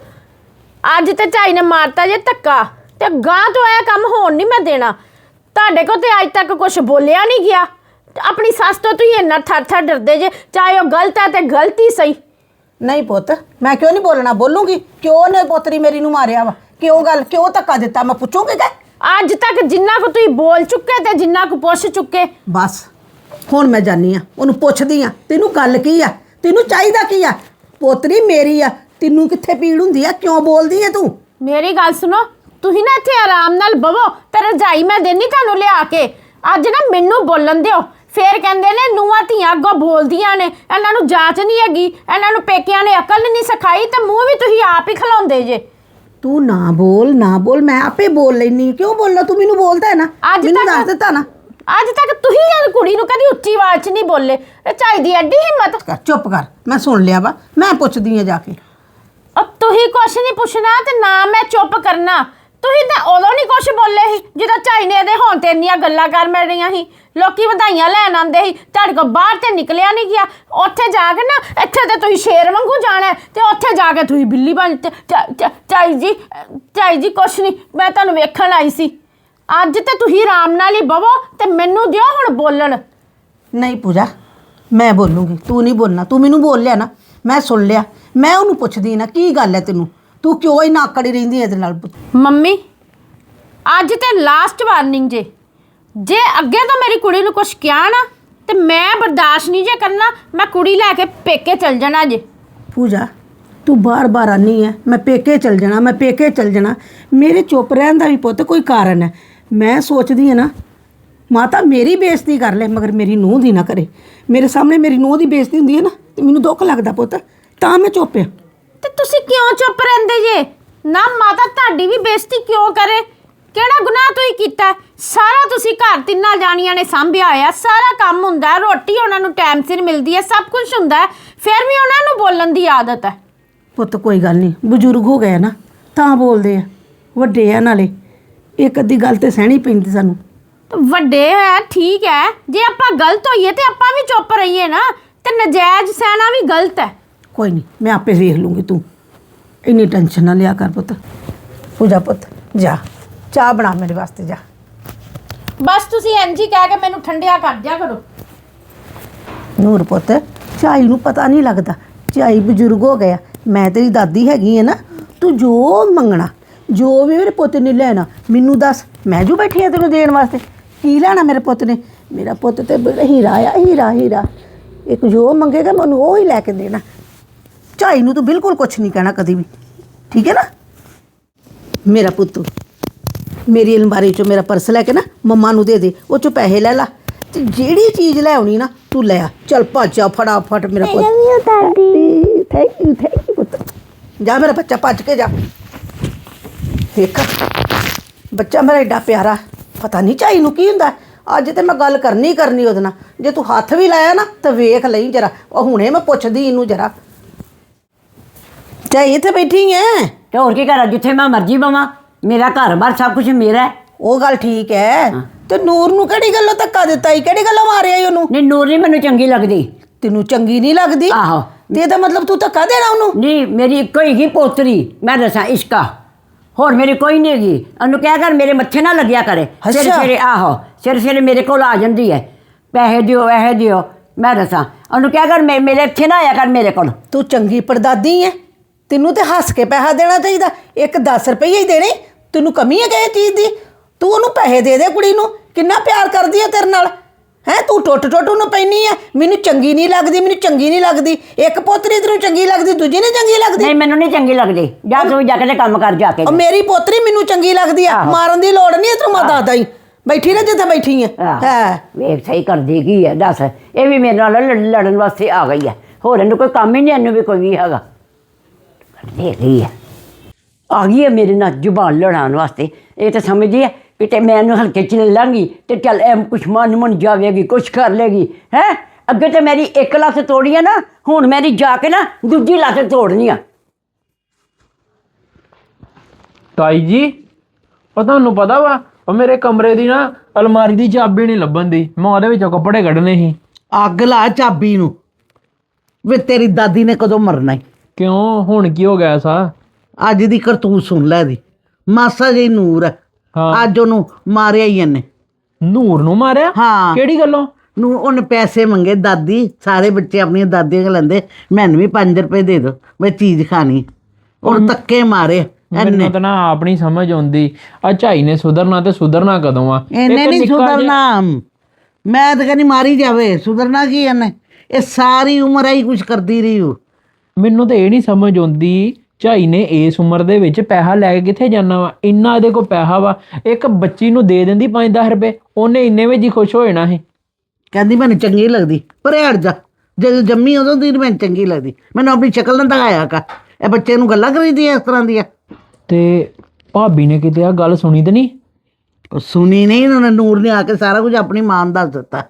[SPEAKER 7] ਅੱਜ ਤੇ ਝਾਈ ਨੇ ਮਾਰਤਾ ਜੇ ਧੱਕਾ, ਤੇ ਗਾਂ ਤੋਂ ਇਹ ਕੰਮ ਹੋਣ ਨਹੀਂ ਮੈਂ ਦੇਣਾ। ਤੁਹਾਡੇ ਕੋ ਤੇ ਅੱਜ ਤੱਕ ਕੁਝ ਬੋਲਿਆ ਨਹੀਂ ਗਿਆ। ਆਪਣੀ ਸੱਸ ਤੋਂ ਤੁਸੀਂ ਇੰਨਾ ਥਰ ਥਰ ਡਰਦੇ ਜੇ, ਚਾਹੇ ਉਹ ਗਲਤ ਹੈ ਤੇ ਗਲਤੀ ਸਹੀ।
[SPEAKER 1] ਨਹੀਂ ਪੁੱਤ, ਮੈਂ ਕਿਉਂ ਨਹੀਂ ਬੋਲਣਾ, ਬੋਲੂੰਗੀ। ਕਿਉਂ ਨੇ ਪੋਤਰੀ ਮੇਰੀ ਨੂੰ ਮਾਰਿਆ ਵਾ? ਕਿਉਂ ਗੱਲ, ਕਿਉਂ ਧੱਕਾ ਦਿੱਤਾ? ਮੈਂ ਪੁੱਛੂੰਗੀ ਕਿ
[SPEAKER 7] ਅੱਜ ਤੱਕ ਜਿੰਨਾ ਕੁ ਤੁਸੀਂ ਬੋਲ ਚੁੱਕੇ ਤੇ ਜਿੰਨਾ ਕੁ ਪੁੱਛ ਚੁੱਕੇ।
[SPEAKER 1] ਬਸ ਹੁਣ ਮੈਂ ਜਾਨੀ ਆ, ਉਹਨੂੰ ਪੁੱਛਦੀ ਆ ਤੈਨੂੰ ਗੱਲ ਕੀ ਆ, ਤੈਨੂੰ ਚਾਹੀਦਾ ਕੀ ਆ? ਪੋਤਰੀ ਮੇਰੀ ਆ, ਤੈਨੂੰ ਕਿੱਥੇ ਪੀੜ ਹੁੰਦੀ ਆ? ਕਿਉਂ ਬੋਲਦੀ ਆ ਤੂੰ?
[SPEAKER 7] ਮੇਰੀ ਗੱਲ ਸੁਣੋ, ਤੁਸੀਂ ਨਾ ਇੱਥੇ ਆਰਾਮ ਨਾਲ ਬਵੋ ਤੇ ਰਜਾਈ ਮੈਂ ਦੇਣੀ ਤੁਹਾਨੂੰ ਲਿਆ ਕੇ। ਅੱਜ ਨਾ ਮੈਨੂੰ ਬੋਲਣ ਦਿਓ। ਫੇਰ ਕਹਿੰਦੇ ਨੇ ਨੂੰਹਾਂ ਧੀਆਂ ਅੱਗੋਂ ਬੋਲਦੀਆਂ ਨੇ, ਇਹਨਾਂ ਨੂੰ ਜਾਂਚ ਨਹੀਂ ਹੈਗੀ, ਇਹਨਾਂ ਨੂੰ ਪੇਕਿਆਂ ਨੇ ਅਕਲ ਨਹੀਂ ਸਿਖਾਈ, ਤੇ ਮੂੰਹ ਵੀ ਤੁਸੀਂ ਆਪ ਹੀ ਖਲਾਉਂਦੇ ਜੇ।
[SPEAKER 1] ਤੂੰ ਨਾ ਬੋਲ ਨਾ ਬੋਲ, ਮੈਂ ਆਪੇ ਬੋਲ ਲੈਨੀ। ਕਿਉਂ ਬੋਲਣਾ? ਤੂੰ ਮੈਨੂੰ ਬੋਲਦਾ ਹੈ ਨਾ,
[SPEAKER 7] ਅੱਜ
[SPEAKER 1] ਮੈਨੂੰ
[SPEAKER 7] ਤੱਕ-
[SPEAKER 1] ਦੱਸ ਦਿੱਤਾ ਨਾ।
[SPEAKER 7] ਅੱਜ ਤੱਕ ਤੁਸੀਂ ਇਹ ਕੁੜੀ ਨੂੰ ਕਦੀ ਉੱਚੀ ਆਵਾਜ਼ 'ਚ ਨਹੀਂ ਬੋਲੇ। ਇਹ ਚਾਹੀਦੀ ਐਡੀ ਹਿੰਮਤ।
[SPEAKER 1] ਕਰ ਚੁੱਪ ਕਰ, ਮੈਂ ਸੁਣ ਲਿਆ ਵਾ, ਮੈਂ ਪੁੱਛਦੀ ਆ ਜਾ ਕੇ।
[SPEAKER 7] ਉਹ ਤੁਸੀਂ ਕੁਛ ਨਹੀਂ ਪੁੱਛਣਾ ਤੇ ਨਾ ਮੈਂ ਚੁੱਪ ਕਰਨਾ। ਤੁਸੀਂ ਤਾਂ ਉਦੋਂ ਨਹੀਂ ਕੁਛ ਬੋਲੇ ਸੀ ਜਦੋਂ ਝਾਈ ਨੇ ਇਹਦੇ ਹੋਣ ਤੇ ਇੰਨੀਆਂ ਗੱਲਾਂ ਕਰ ਮਿਲ ਰਹੀਆਂ ਸੀ। ਲੋਕੀ ਵਧਾਈਆਂ ਲੈਣ ਆਉਂਦੇ ਸੀ, ਤੁਹਾਡੇ ਕੋਲ ਬਾਹਰ ਤੇ ਨਿਕਲਿਆ ਨਹੀਂ ਗਿਆ। ਉੱਥੇ ਜਾ ਕੇ ਨਾ, ਇੱਥੇ ਤੇ ਤੁਸੀਂ ਸ਼ੇਰ ਵਾਂਗੂ ਜਾਣਾ, ਤੇ ਉੱਥੇ ਜਾ ਕੇ ਤੁਸੀਂ ਬਿੱਲੀ ਬਣ। ਤੇ ਝਾਈ ਜੀ, ਝਾਈ ਜੀ ਕੁਛ ਨਹੀਂ, ਮੈਂ ਤੁਹਾਨੂੰ ਵੇਖਣ ਆਈ ਸੀ। ਅੱਜ ਤੇ ਤੁਸੀਂ ਆਰਾਮ ਨਾਲ ਹੀ ਬਵੋ ਤੇ ਮੈਨੂੰ ਦਿਓ ਹੁਣ ਬੋਲਣ।
[SPEAKER 1] ਨਹੀਂ ਪੂਜਾ, ਮੈਂ ਬੋਲੂੰਗੀ, ਤੂੰ ਨਹੀਂ ਬੋਲਣਾ। ਤੂੰ ਮੈਨੂੰ ਬੋਲ ਲਿਆ ਨਾ, ਮੈਂ ਸੁਣ ਲਿਆ। ਮੈਂ ਉਹਨੂੰ ਪੁੱਛਦੀ ਨਾ ਕੀ ਗੱਲ ਹੈ ਤੈਨੂੰ, ਤੂੰ ਕਿਉਂ ਹੀ ਨਾਕੜੀ ਰਹਿੰਦੀ ਇਹਦੇ ਨਾਲ?
[SPEAKER 7] ਮੰਮੀ ਅੱਜ ਤੇ ਲਾਸਟ ਵਾਰਨਿੰਗ ਜੇ, ਜੇ ਅੱਗੇ ਤੋਂ ਮੇਰੀ ਕੁੜੀ ਨੂੰ ਕੁਛ ਕਿਹਾ ਨਾ ਤੇ ਮੈਂ ਬਰਦਾਸ਼ਤ ਨਹੀਂ ਜੇ ਕਰਨਾ। ਮੈਂ ਕੁੜੀ ਲੈ ਕੇ ਪੇਕੇ ਚਲ ਜਾਣਾ ਜੇ।
[SPEAKER 1] ਪੂਜਾ ਤੂੰ ਬਾਰ-ਬਾਰ ਆਨੀ ਹੈ ਮੈਂ ਪੇਕੇ ਚਲ ਜਾਣਾ, ਮੈਂ ਪੇਕੇ ਚਲ ਜਾਣਾ। ਮੇਰੇ ਚੁੱਪ ਰਹਿਣ ਦਾ ਵੀ ਪੁੱਤ ਕੋਈ ਕਾਰਨ ਹੈ। ਮੈਂ ਸੋਚਦੀ ਹਾਂ ਨਾ, ਮਾਤਾ ਮੇਰੀ ਬੇਇੱਜ਼ਤੀ ਕਰ ਲੈ ਮਗਰ ਮੇਰੀ ਨੂੰਹ ਦੀ ਨਾ ਕਰੇ। ਮੇਰੇ ਸਾਹਮਣੇ ਮੇਰੀ ਨੂੰਹ ਦੀ ਬੇਇੱਜ਼ਤੀ ਹੁੰਦੀ ਹੈ ਨਾ ਤੇ ਮੈਨੂੰ ਦੁੱਖ ਲੱਗਦਾ ਪੁੱਤ, ਤਾਂ ਮੈਂ ਚੁੱਪ ਆ।
[SPEAKER 7] ਤੇ ਤੁਸੀਂ ਕਿਉਂ ਚੁੱਪ ਰਹਿੰਦੇ ਜੇ? ਨਾ ਮਾਤਾ ਤੁਹਾਡੀ ਵੀ ਬੇਇੱਜ਼ਤੀ ਕਿਉਂ ਕਰੇ? ਕਿਹੜਾ ਗੁਨਾਹ ਤੁਸੀਂ ਕੀਤਾ? ਸਾਰਾ ਤੁਸੀਂ ਘਰ ਤਿੰਨਾਂ ਜਾਣੀਆਂ ਨੇ ਸੰਭਿਆ ਹੋਇਆ, ਸਾਰਾ ਕੰਮ ਹੁੰਦਾ, ਰੋਟੀ ਉਹਨਾਂ ਨੂੰ ਟਾਈਮ ਸਿਰ ਮਿਲਦੀ ਹੈ, ਸਭ ਕੁਝ ਹੁੰਦਾ, ਫਿਰ ਵੀ ਉਹਨਾਂ ਨੂੰ ਬੋਲਣ ਦੀ ਆਦਤ ਹੈ।
[SPEAKER 1] ਪੁੱਤ ਕੋਈ ਗੱਲ ਨਹੀਂ, ਬਜ਼ੁਰਗ ਹੋ ਗਏ ਨਾ ਤਾਂ ਬੋਲਦੇ ਆ, ਵੱਡੇ ਆ ਨਾਲੇ, ਇੱਕ ਅੱਧੀ ਗੱਲ ਤੇ ਸਹਿਣੀ ਪੈਂਦੀ ਸਾਨੂੰ।
[SPEAKER 7] ਵੱਡੇ ਹੈ ਠੀਕ ਹੈ, ਜੇ ਆਪਾਂ ਗਲਤ ਹੋਈਏ ਤੇ ਆਪਾਂ ਵੀ ਚੁੱਪ ਰਹੀਏ ਨਾ, ਤੇ ਨਜਾਇਜ਼ ਸਹਿਣਾ ਵੀ ਗਲਤ ਹੈ।
[SPEAKER 1] ਕੋਈ ਨਹੀਂ, ਮੈਂ ਆਪੇ ਵੇਖ ਲੂੰਗੀ, ਤੂੰ ਇੰਨੀ ਟੈਨਸ਼ਨ ਨਾ ਲਿਆ ਕਰ ਪੁੱਤ। ਪੂਜਾ ਪੁੱਤ ਜਾ ਚਾਹ ਬਣਾ ਮੇਰੇ ਵਾਸਤੇ, ਜਾ।
[SPEAKER 7] ਬਸ ਤੁਸੀਂ ਇੰਝ ਹੀ ਕਹਿ ਕੇ ਮੈਨੂੰ ਠੰਡਿਆ ਕਰ ਦਿਆ ਕਰੋ।
[SPEAKER 1] ਨੂਰ ਪੁੱਤ, ਝਾਈ ਨੂੰ ਪਤਾ ਨਹੀਂ ਲੱਗਦਾ, ਝਾਈ ਬਜ਼ੁਰਗ ਹੋ ਗਿਆ। ਮੈਂ ਤੇਰੀ ਦਾਦੀ ਹੈਗੀ ਹੈ ਨਾ, ਤੂੰ ਜੋ ਮੰਗਣਾ, ਜੋ ਵੀ ਮੇਰੇ ਪੁੱਤ ਨੇ ਲੈਣਾ ਮੈਨੂੰ ਦੱਸ, ਮੈਂ ਜੋ ਬੈਠੀ ਆ ਤੈਨੂੰ ਦੇਣ ਵਾਸਤੇ। ਕੀ ਲੈਣਾ ਮੇਰੇ ਪੁੱਤ ਨੇ? ਮੇਰਾ ਪੁੱਤ ਤੇ ਬੜਾ ਹੀਰਾ ਆ, ਹੀਰਾ ਹੀਰਾ। ਇੱਕ ਜੋ ਮੰਗੇਗਾ ਮੈਂ ਉਹਨੂੰ ਉਹ ਹੀ ਲੈ ਕੇ ਦੇਣਾ। ਝਾਈ ਨੂੰ ਤੂੰ ਬਿਲਕੁਲ ਕੁਛ ਨਹੀਂ ਕਹਿਣਾ ਕਦੀ ਵੀ, ਠੀਕ ਹੈ ਨਾ? ਮੇਰਾ ਪੁੱਤ ਮੇਰੀ ਅਲਮਾਰੀ 'ਚੋਂ ਮੇਰਾ ਪਰਸ ਲੈ ਕੇ ਨਾ ਮੰਮਾ ਨੂੰ ਦੇ ਦੇ, ਉਹ 'ਚੋਂ ਪੈਸੇ ਲੈ ਲਾ, ਤੇ ਜਿਹੜੀ ਚੀਜ਼ ਲੈ ਆਉਣੀ ਨਾ ਤੂੰ ਲੈ ਆ। ਚੱਲ ਭੱਜ ਜਾ ਫਟਾਫਟ ਮੇਰਾ ਪੁੱਤ। ਥੈਂਕ ਯੂ ਥੈਂਕ ਯੂ ਪੁੱਤ। ਜਾ ਮੇਰਾ ਬੱਚਾ, ਭੱਜ ਕੇ ਜਾ। ਦੇਖ ਬੱਚਾ ਮੇਰਾ ਏਡਾ ਪਿਆਰਾ, ਪਤਾ ਨਹੀਂ ਝਾਈ ਨੂੰ ਕੀ ਹੁੰਦਾ। ਅੱਜ ਤੇ ਮੈਂ ਗੱਲ ਕਰਨੀ ਕਰਨੀ ਉਹਦੇ ਨਾਲ। ਜੇ ਤੂੰ ਹੱਥ ਵੀ ਲਾਇਆ ਨਾ ਤਾਂ ਵੇਖ ਲਈ ਜਰਾ। ਉਹ ਹੁਣੇ ਮੈਂ ਪੁੱਛਦੀ ਇਹਨੂੰ ਜਰਾ। ਝਾਈ ਇੱਥੇ ਬੈਠੀ ਐ?
[SPEAKER 6] ਤੇ ਹੋਰ ਕੀ ਕਰਾਂ, ਜਿੱਥੇ ਮੈਂ ਮਰਜ਼ੀ ਬਵਾਂ, ਮੇਰਾ ਘਰ ਬਾਰ ਸਭ ਕੁਝ ਮੇਰਾ ਹੈ।
[SPEAKER 1] ਉਹ ਗੱਲ ਠੀਕ ਹੈ, ਤੇ ਨੂਰ ਨੂੰ ਕਿਹੜੀ ਗੱਲੋਂ ਧੱਕਾ ਦਿੱਤਾ ਈ? ਕਿਹੜੀ ਗੱਲੋਂ ਮਾਰਿਆ ਈ ਉਹਨੂੰ?
[SPEAKER 6] ਨਹੀਂ ਨੂਰ ਨਹੀਂ ਮੈਨੂੰ ਚੰਗੀ ਲੱਗਦੀ।
[SPEAKER 1] ਤੈਨੂੰ ਚੰਗੀ ਨਹੀਂ ਲੱਗਦੀ?
[SPEAKER 6] ਆਹੋ।
[SPEAKER 1] ਤੇ ਇਹਦਾ ਮਤਲਬ ਤੂੰ ਧੱਕਾ ਦੇਣਾ ਉਹਨੂੰ?
[SPEAKER 6] ਨਹੀਂ ਮੇਰੀ ਇੱਕੋ ਹੀ ਪੋਤਰੀ, ਮੈਂ ਦੱਸਾਂ ਇਸ਼ਕਾ, ਹੋਰ ਮੇਰੀ ਕੋਈ ਨਹੀਂ ਹੈਗੀ। ਉਹਨੂੰ ਕਹਿ ਕਰ ਮੇਰੇ ਮੱਥੇ ਨਾ ਲੱਗਿਆ ਕਰੇ ਸਿਰ ਸਿਰੇ। ਆਹੋ ਸਿਰ ਸਿਰੇ ਮੇਰੇ ਕੋਲ ਆ ਜਾਂਦੀ ਹੈ, ਪੈਸੇ ਦਿਓ ਇਹ ਦਿਓ। ਮੈਂ ਦੱਸਾਂ ਉਹਨੂੰ ਕਹਿ ਕਰ ਮੇ ਮੇਰੇ ਇੱਥੇ ਨਾ ਆਇਆ ਕਰ ਮੇਰੇ ਕੋਲ।
[SPEAKER 1] ਤੂੰ ਚੰਗੀ ਪਰਦਾਦੀ ਹੈ, ਤੈਨੂੰ ਤੇ ਹੱਸ ਕੇ ਪੈਸਾ ਦੇਣਾ ਚਾਹੀਦਾ। ਇੱਕ ਦਸ ਰੁਪਏ ਹੀ ਦੇਣੇ, ਤੈਨੂੰ ਕਮੀ ਹੈ ਕਿਸੇ ਚੀਜ਼ ਦੀ? ਤੂੰ ਉਹਨੂੰ ਪੈਸੇ ਦੇ ਦੇ, ਕੁੜੀ ਨੂੰ ਕਿੰਨਾ ਪਿਆਰ ਕਰਦੀ ਹੈ ਤੇਰੇ ਨਾਲ। ਹੈਂ ਤੂੰ ਟੁੱਟ ਟੁੱਟ ਉਹਨੂੰ ਪੈਣੀ ਆ, ਮੈਨੂੰ ਚੰਗੀ ਨਹੀਂ ਲੱਗਦੀ, ਮੈਨੂੰ ਚੰਗੀ ਨਹੀਂ ਲੱਗਦੀ। ਇੱਕ ਪੋਤਰੀ ਤੈਨੂੰ ਚੰਗੀ ਲੱਗਦੀ, ਦੂਜੀ ਨਹੀਂ ਚੰਗੀ ਲੱਗਦੀ?
[SPEAKER 6] ਨਹੀਂ ਮੈਨੂੰ ਨਹੀਂ ਚੰਗੀ ਲੱਗਦੀ। ਜਾ ਤੂੰ ਜਾ ਕੇ ਕੰਮ ਕਰ ਜਾ ਕੇ।
[SPEAKER 1] ਉਹ ਮੇਰੀ ਪੋਤਰੀ ਮੈਨੂੰ ਚੰਗੀ ਲੱਗਦੀ ਆ, ਮਾਰਨ ਦੀ ਲੋੜ ਨਹੀਂ ਤੈਨੂੰ। ਮੈਂ ਦੱਸਦਾ ਹੀ, ਬੈਠੀ ਨਾ ਜਿੱਥੇ ਬੈਠੀ ਹੈ। ਹੈ
[SPEAKER 6] ਵੇਖ ਸਹੀ ਕਰਦੀ ਕੀ ਹੈ ਦੱਸ। ਇਹ ਵੀ ਮੇਰੇ ਨਾਲ ਲੜ- ਲੜਨ ਵਾਸਤੇ ਆ ਗਈ ਹੈ, ਹੋਰ ਇਹਨੂੰ ਕੋਈ ਕੰਮ ਹੀ ਨਹੀਂ, ਇਹਨੂੰ ਵੀ ਕੋਈ ਵੀ ਹੈਗਾ। ਦੇ ਗਈ ਹੈ ਆ ਗਈ ਹੈ ਮੇਰੇ ਨਾਲ ਜ਼ੁਬਾਨ ਲੜਾਉਣ ਵਾਸਤੇ। ਇਹ ਤਾਂ ਸਮਝਦੀ ਹੈ ਕਿ ਤੇ ਮੈਂ ਇਹਨੂੰ ਹਲਕੇ ਚ ਲੈ ਲਾਂਗੀ ਤੇ ਚੱਲ ਐ ਕੁਛ ਮਨ ਮਨ ਜਾਵੇਗੀ, ਕੁਛ ਕਰ ਲੇਗੀ ਹੈ। ਅੱਗੇ ਤੇ ਮੇਰੀ ਇੱਕ ਲੱਤ ਤੋੜੀ ਆ ਨਾ, ਹੁਣ ਮੇਰੀ ਜਾ ਕੇ ਨਾ ਦੂਜੀ ਲੱਤ ਤੋੜਨੀ ਆ।
[SPEAKER 3] ਤਾਈ ਜੀ ਉਹ ਤੁਹਾਨੂੰ ਪਤਾ ਵਾ ਉਹ ਮੇਰੇ ਕਮਰੇ ਦੀ ਨਾ ਅਲਮਾਰੀ ਦੀ ਚਾਬੀ ਨਹੀਂ ਲੱਭਣ ਦੀ, ਮੈਂ ਉਹਦੇ ਵਿੱਚੋਂ ਕੱਪੜੇ ਕੱਢਣੇ ਸੀ।
[SPEAKER 2] ਅੱਗ ਲਾ ਚਾਬੀ ਨੂੰ। ਵੇ ਤੇਰੀ ਦਾਦੀ ਨੇ ਕਦੋਂ ਮਰਨਾ ਈ?
[SPEAKER 3] ਕਿਉਂ ਹੁਣ ਕੀ ਹੋ ਗਿਆ ਸਾ?
[SPEAKER 2] ਅੱਜ ਦੀ ਕਰਤੂਤ ਸੁਣ ਲੈ ਦੀ। ਮਾਸਾ ਜਿਹੀ ਨੂਰ ਹੈ,
[SPEAKER 3] ਹਾਂ।
[SPEAKER 2] ਅੱਜ ਉਹਨੂੰ ਮਾਰਿਆ ਹੀ ਇਹਨੇ।
[SPEAKER 3] ਨੂਰ ਨੂੰ ਮਾਰਿਆ?
[SPEAKER 2] ਹਾਂ।
[SPEAKER 3] ਕਿਹੜੀ ਗੱਲੋਂ?
[SPEAKER 2] ਨੂੰ ਉਹਨੇ ਪੈਸੇ ਮੰਗੇ, ਦਾਦੀ ਸਾਰੇ ਬੱਚੇ ਆਪਣੀਆਂ ਦਾਦੀਆਂ ਕੋਲ ਲੈਂਦੇ, ਮੈਨੂੰ ਵੀ ਪੰਜ ਰੁਪਏ ਦੇ ਦਿਓ ਮੈਂ ਚੀਜ਼ ਖਾਣੀ। ਉਹਨੂੰ ਧੱਕੇ ਮਾਰੇ ਇਹਨੇ।
[SPEAKER 3] ਮੈਨੂੰ ਤਾਂ ਨਾ ਆਪ ਨਹੀਂ ਸਮਝ ਆਉਂਦੀ ਆ ਝਾਈ ਨੇ ਸੁਧਰਨਾ ਤੇ ਸੁਧਰਨਾ ਕਦੋਂ ਆ?
[SPEAKER 2] ਇਹਨੇ
[SPEAKER 3] ਇੱਕ
[SPEAKER 2] ਨਹੀਂ
[SPEAKER 3] ਨਿੱਕਾ ਜਿਹਾ-
[SPEAKER 2] ਸੁਧਰਨਾ। ਮੈਂ ਤਾਂ ਕਹਿੰਦੀ ਮਾਰੀ ਜਾਵੇ, ਸੁਧਰਨਾ ਕੀ ਇਹਨੇ? ਇਹ ਸਾਰੀ ਉਮਰ ਹੀ ਕੁਝ ਕਰਦੀ ਰਹੀ ਹੋ।
[SPEAKER 3] ਮੈਨੂੰ ਤਾਂ ਇਹ ਨਹੀਂ ਸਮਝ ਆਉਂਦੀ ਝਾਈ ਨੇ ਇਸ ਉਮਰ ਦੇ ਵਿੱਚ ਪੈਸਾ ਲੈ ਕੇ ਕਿੱਥੇ ਜਾਣਾ ਵਾ? ਇੰਨਾ ਇਹਦੇ ਕੋਲ ਪੈਸਾ ਵਾ, ਇੱਕ ਬੱਚੀ ਨੂੰ ਦੇ ਦਿੰਦੀ ਪੰਜ ਦਸ ਰੁਪਏ, ਉਹਨੇ ਇੰਨੇ ਵਿੱਚ ਹੀ ਖੁਸ਼ ਹੋ ਜਾਣਾ ਸੀ।
[SPEAKER 2] ਕਹਿੰਦੀ ਮੈਨੂੰ ਚੰਗੀ ਲੱਗਦੀ, ਪਰ ਹਟ ਜਾ। ਜਦੋਂ ਜੰਮੀ ਉਦੋਂ ਦੀ ਮੈਨੂੰ ਚੰਗੀ ਲੱਗਦੀ, ਮੈਨੂੰ ਆਪਣੀ ਸ਼ਕਲ ਨਾ ਦਿਖਾਇਆ ਕਰ। ਇਹ ਬੱਚੇ ਨੂੰ ਗੱਲਾਂ ਕਰੀਦੀਆਂ ਇਸ ਤਰ੍ਹਾਂ ਦੀਆਂ।
[SPEAKER 3] ਤੇ ਭਾਬੀ ਨੇ ਕਿਤੇ ਆ ਗੱਲ ਸੁਣੀ ਤੇ ਨਹੀਂ?
[SPEAKER 2] ਉਹ ਸੁਣੀ ਨਹੀਂ, ਉਹਨਾਂ ਨੇ ਨੂਰ ਨੇ ਆ ਕੇ ਸਾਰਾ ਕੁਝ ਆਪਣੀ ਮਾਂ ਨੂੰ ਦੱਸ ਦਿੱਤਾ।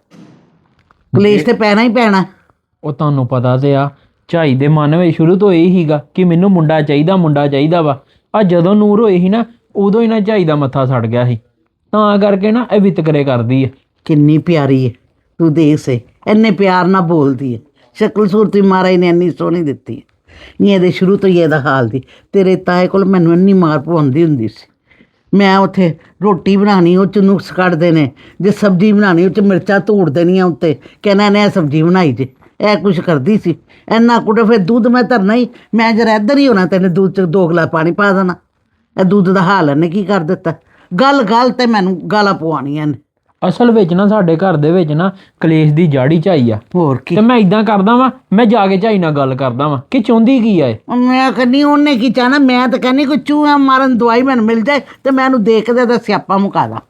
[SPEAKER 2] ਕਲੇਸ਼ ਤੇ ਪੈਣਾ ਹੀ ਪੈਣਾ।
[SPEAKER 3] ਉਹ ਤੁਹਾਨੂੰ ਪਤਾ ਤੇ ਆ ਝਾਈ ਦੇ ਮਨ ਵਿੱਚ ਸ਼ੁਰੂ ਤੋਂ ਇਹ ਹੀਗਾ ਕਿ ਮੈਨੂੰ ਮੁੰਡਾ ਚਾਹੀਦਾ, ਮੁੰਡਾ ਚਾਹੀਦਾ ਵਾ। ਆ ਜਦੋਂ ਨੂਰ ਹੋਈ ਸੀ ਨਾ ਉਦੋਂ ਹੀ ਨਾ ਝਾਈ ਦਾ ਮੱਥਾ ਸੜ ਗਿਆ ਸੀ, ਤਾਂ ਕਰਕੇ ਨਾ ਇਹ ਵਿਤਕਰੇ ਕਰਦੀ ਹੈ।
[SPEAKER 2] ਕਿੰਨੀ ਪਿਆਰੀ ਹੈ, ਤੂੰ ਦੇਖ ਸੇ ਇੰਨੇ ਪਿਆਰ ਨਾਲ ਬੋਲਦੀ ਹੈ। ਸ਼ਕਲ ਸੂਰਤ ਵੀ ਮਹਾਰਾਜ ਨੇ ਇੰਨੀ ਸੋਹਣੀ ਦਿੱਤੀ ਹੈ। ਨਹੀਂ ਇਹਦੇ ਸ਼ੁਰੂ ਤੋਂ ਹੀ ਇਹਦਾ ਹਾਲ ਦੀ। ਤੇਰੇ ਤਾਏ ਕੋਲ ਮੈਨੂੰ ਇੰਨੀ ਮਾਰ ਪਵਾਉਂਦੀ ਹੁੰਦੀ ਸੀ। ਮੈਂ ਉੱਥੇ ਰੋਟੀ ਬਣਾਉਣੀ, ਉਹ 'ਚ ਨੁਕਸ ਕੱਢਦੇ ਨੇ। ਜੇ ਸਬਜ਼ੀ ਬਣਾਉਣੀ ਉਹ 'ਚ ਮਿਰਚਾਂ ਧੂੜ ਦੇਣੀਆਂ ਉੱਤੇ, ਕਹਿਣਾ ਇਹਨੇ ਇਹ ਸਬਜ਼ੀ ਬਣਾਈ ਜੇ। ਇਹ ਕੁਛ ਕਰਦੀ ਸੀ ਇੰਨਾ ਕੁੜੇ। ਫਿਰ ਦੁੱਧ ਮੈਂ ਧਰਨਾ ਹੀ, ਮੈਂ ਜਰਾ ਇੱਧਰ ਹੀ ਹੋਣਾ, ਤੈਨੇ ਦੁੱਧ 'ਚ ਦੋ ਗਲਾਸ ਪਾਣੀ ਪਾ ਦੇਣਾ। ਇਹ ਦੁੱਧ ਦਾ ਹਾਲ ਇਹਨੇ ਕੀ ਕਰ ਦਿੱਤਾ। ਗੱਲ ਗੱਲ ਤੇ ਮੈਨੂੰ ਗਾਲਾਂ ਪਵਾਉਣੀਆਂ ਨੇ।
[SPEAKER 3] ਅਸਲ ਵਿੱਚ ਨਾ ਸਾਡੇ ਘਰ ਦੇ ਵਿੱਚ ਨਾ ਕਲੇਸ਼ ਦੀ ਜੜ ਹੀ ਝਾਈ ਆ।
[SPEAKER 2] ਹੋਰ ਕੀ।
[SPEAKER 3] ਤੇ ਮੈਂ ਇਦਾਂ ਕਰਦਾ ਵਾਂ, ਮੈਂ ਜਾ ਕੇ ਝਾਈ ਨਾਲ ਗੱਲ ਕਰਦਾ ਵਾਂ ਕਿ ਚਾਹੁੰਦੀ ਕੀ ਆ ਇਹ।
[SPEAKER 2] ਮੈਂ ਕਹਿੰਦੀ ਉਹਨੇ ਕੀ ਚਾਹਨਾ। ਮੈਂ ਤਾਂ ਕਹਿੰਦੀ ਕੋਈ ਚੂਹਾ ਮਾਰਨ ਦਵਾਈ ਮੈਨੂੰ ਮਿਲ ਜਾਏ ਤੇ ਮੈਂ ਉਹਨੂੰ ਦੇਖ ਕੇ ਤਾਂ ਸਿਆਪਾ ਮੁਕਾ ਦਾਂ।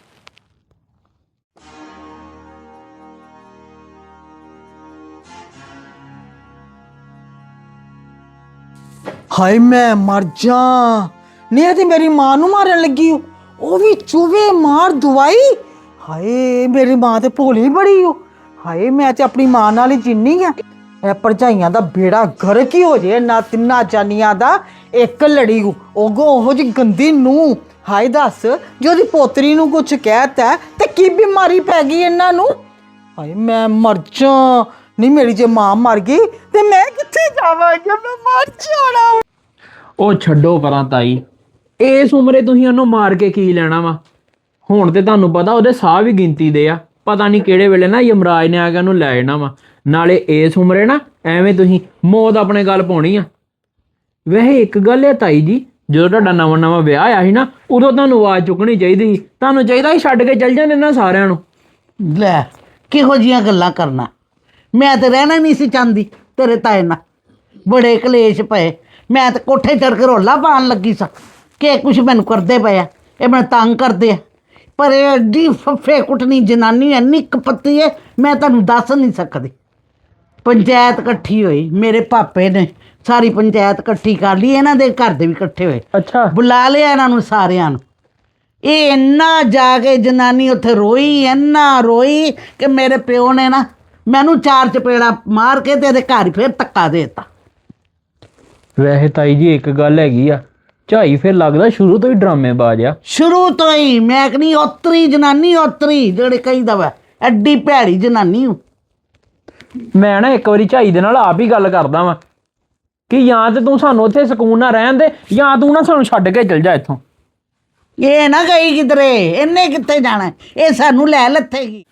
[SPEAKER 4] ਹਾਏ ਮੈਂ ਮਰ ਜਾ। ਨਹੀਂ ਇਹ ਤੇ ਮੇਰੀ ਮਾਂ ਨੂੰ ਮਾਰਨ ਲੱਗੀ ਓ, ਉਹ ਵੀ ਚੂਹੇ ਮਾਰ ਦਵਾਈ। ਹਾਏ ਮੇਰੀ ਮਾਂ ਤੇ ਭੋਲੀ ਬੜੀ ਓ। ਹਾਏ ਮੈਂ ਤੇ ਆਪਣੀ ਮਾਂ ਨਾਲ ਹੀ ਜਿੰਨੀ ਆ। ਇਹ ਭਰਜਾਈਆਂ ਦਾ ਬੇੜਾ ਗਰਕ ਹੀ ਹੋ ਜੇ ਨਾ, ਤਿੰਨਾਂ ਜਾਨੀਆਂ ਦਾ ਇੱਕ ਲੜੀ ਓ। ਉਹਗੋ ਉਹੋ ਜੀ ਗੰਦੀ ਨੂੰ। ਹਾਏ ਦੱਸ ਜੇ ਉਹਦੀ ਪੋਤਰੀ ਨੂੰ ਕੁਝ ਕਹਿਤਾ ਤੇ ਕੀ ਬਿਮਾਰੀ ਪੈ ਗਈ ਇਹਨਾਂ ਨੂੰ? ਹਾਏ ਮੈਂ ਮਰ ਜਾ। ਨਹੀਂ ਮੇਰੀ ਜੇ ਮਾਂ ਮਰ ਗਈ ਤੇ ਮੈਂ ਕਿੱਥੇ ਜਾਵਾਂਗੀ? ਮੈਂ ਮਰ ਜਾਣਾ।
[SPEAKER 3] ਉਹ ਛੱਡੋ ਪਰਾਂ ਤਾਈ, ਇਸ ਉਮਰੇ ਤੁਸੀਂ ਉਹਨੂੰ ਮਾਰ ਕੇ ਕੀ ਲੈਣਾ ਵਾ? ਹੁਣ ਤੇ ਤੁਹਾਨੂੰ ਪਤਾ ਉਹਦੇ ਸਾਹ ਵੀ ਗਿਣਤੀ ਦੇ ਆ, ਪਤਾ ਨਹੀਂ ਕਿਹੜੇ ਵੇਲੇ ਨਾ ਯਮਰਾਜ ਨੇ ਆ ਕੇ ਉਹਨੂੰ ਲੈ ਜਾਣਾ ਵਾ। ਨਾਲੇ ਇਸ ਉਮਰੇ ਨਾ ਐਵੇਂ ਤੁਸੀਂ ਮੌਤ ਆਪਣੇ ਗੱਲ ਪਾਉਣੀ ਆ। ਵੈਸੇ ਇੱਕ ਗੱਲ ਹੈ ਤਾਈ ਜੀ, ਜਦੋਂ ਤੁਹਾਡਾ ਨਵਾਂ ਨਵਾਂ ਵਿਆਹ ਆਇਆ ਸੀ ਨਾ ਉਦੋਂ ਤੁਹਾਨੂੰ ਆਵਾਜ਼ ਚੁੱਕਣੀ ਚਾਹੀਦੀ ਸੀ। ਤੁਹਾਨੂੰ ਚਾਹੀਦਾ ਸੀ ਛੱਡ ਕੇ ਚੱਲ ਜਾਂਦੇ ਇਹਨਾਂ ਸਾਰਿਆਂ ਨੂੰ।
[SPEAKER 2] ਲੈ ਕਿਹੋ ਜੀਆਂ ਗੱਲਾਂ ਕਰਨਾ। ਮੈਂ ਤਾਂ ਰਹਿਣਾ ਨਹੀਂ ਸੀ ਚਾਹੁੰਦੀ ਤੇਰੇ ਤਾਏ ਨਾਲ। ਬੜੇ ਕਲੇਸ਼ ਪਏ। ਮੈਂ ਤਾਂ ਕੋਠੇ ਚੜ੍ਹ ਕੇ ਰੌਲਾ ਪਾਉਣ ਲੱਗੀ ਸਾਂ ਕਿ ਕੁਛ ਮੈਨੂੰ ਕਰਦੇ ਪਏ ਆ, ਇਹ ਮੈਨੂੰ ਤੰਗ ਕਰਦੇ ਆ। ਪਰ ਇਹ ਐਡੀ ਫੱਫੇ ਕੁੱਟਣੀ ਜਨਾਨੀ ਇੰਨੀ ਕਪੱਤੀ ਹੈ, ਮੈਂ ਤੁਹਾਨੂੰ ਦੱਸ ਨਹੀਂ ਸਕਦੀ। ਪੰਚਾਇਤ ਇਕੱਠੀ ਹੋਈ, ਮੇਰੇ ਪਾਪੇ ਨੇ ਸਾਰੀ ਪੰਚਾਇਤ ਇਕੱਠੀ ਕਰ ਲਈ, ਇਹਨਾਂ ਦੇ ਘਰ ਦੇ ਵੀ ਇਕੱਠੇ ਹੋਏ।
[SPEAKER 3] ਅੱਛਾ।
[SPEAKER 2] ਬੁਲਾ ਲਿਆ ਇਹਨਾਂ ਨੂੰ ਸਾਰਿਆਂ ਨੂੰ। ਇਹ ਇੰਨਾ ਜਾ ਕੇ ਜਨਾਨੀ ਉੱਥੇ ਰੋਈ, ਇੰਨਾ ਰੋਈ ਕਿ ਮੇਰੇ ਪਿਓ ਨੇ ਨਾ ਮੈਨੂੰ ਚਾਰ ਚਪੇੜਾ ਮਾਰ ਕੇ ਤੇ ਇਹਦੇ ਘਰ ਫਿਰ ਧੱਕਾ ਦੇ ਦਿੱਤਾ।
[SPEAKER 3] ਵੈਸੇ ਤਾਈ ਜੀ ਇੱਕ ਗੱਲ ਹੈਗੀ ਆ, ਝਾਈ ਫਿਰ ਲੱਗਦਾ ਸ਼ੁਰੂ ਤੋਂ ਹੀ ਡਰਾਮੇਬਾਜ਼ ਆ।
[SPEAKER 2] ਸ਼ੁਰੂ ਤੋਂ ਹੀ ਮੈਂ ਕਹਿੰਦੀ ਉਤਰੀ ਜਨਾਨੀ, ਉਤਰੀ ਜਿਹੜੇ ਕਹੀਦਾ ਵਾ ਐਡੀ ਭੈੜੀ ਜਨਾਨੀ ਹੂੰ।
[SPEAKER 3] ਮੈਂ ਨਾ ਇੱਕ ਵਾਰੀ ਝਾਈ ਦੇ ਨਾਲ ਆਪ ਹੀ ਗੱਲ ਕਰਦਾ ਵਾਂ ਕਿ ਜਾਂ ਤੇ ਤੂੰ ਸਾਨੂੰ ਉੱਥੇ ਸਕੂਨ ਨਾਲ ਰਹਿਣ ਦੇ, ਜਾਂ ਤੂੰ ਨਾ ਸਾਨੂੰ ਛੱਡ ਕੇ ਚਲ ਜਾ ਇੱਥੋਂ।
[SPEAKER 2] ਇਹ ਨਾ ਗਈ ਕਿਧਰੇ, ਇਹਨੇ ਕਿੱਥੇ ਜਾਣਾ? ਇਹ ਸਾਨੂੰ ਲੈ ਲੱਥੇਗੀ।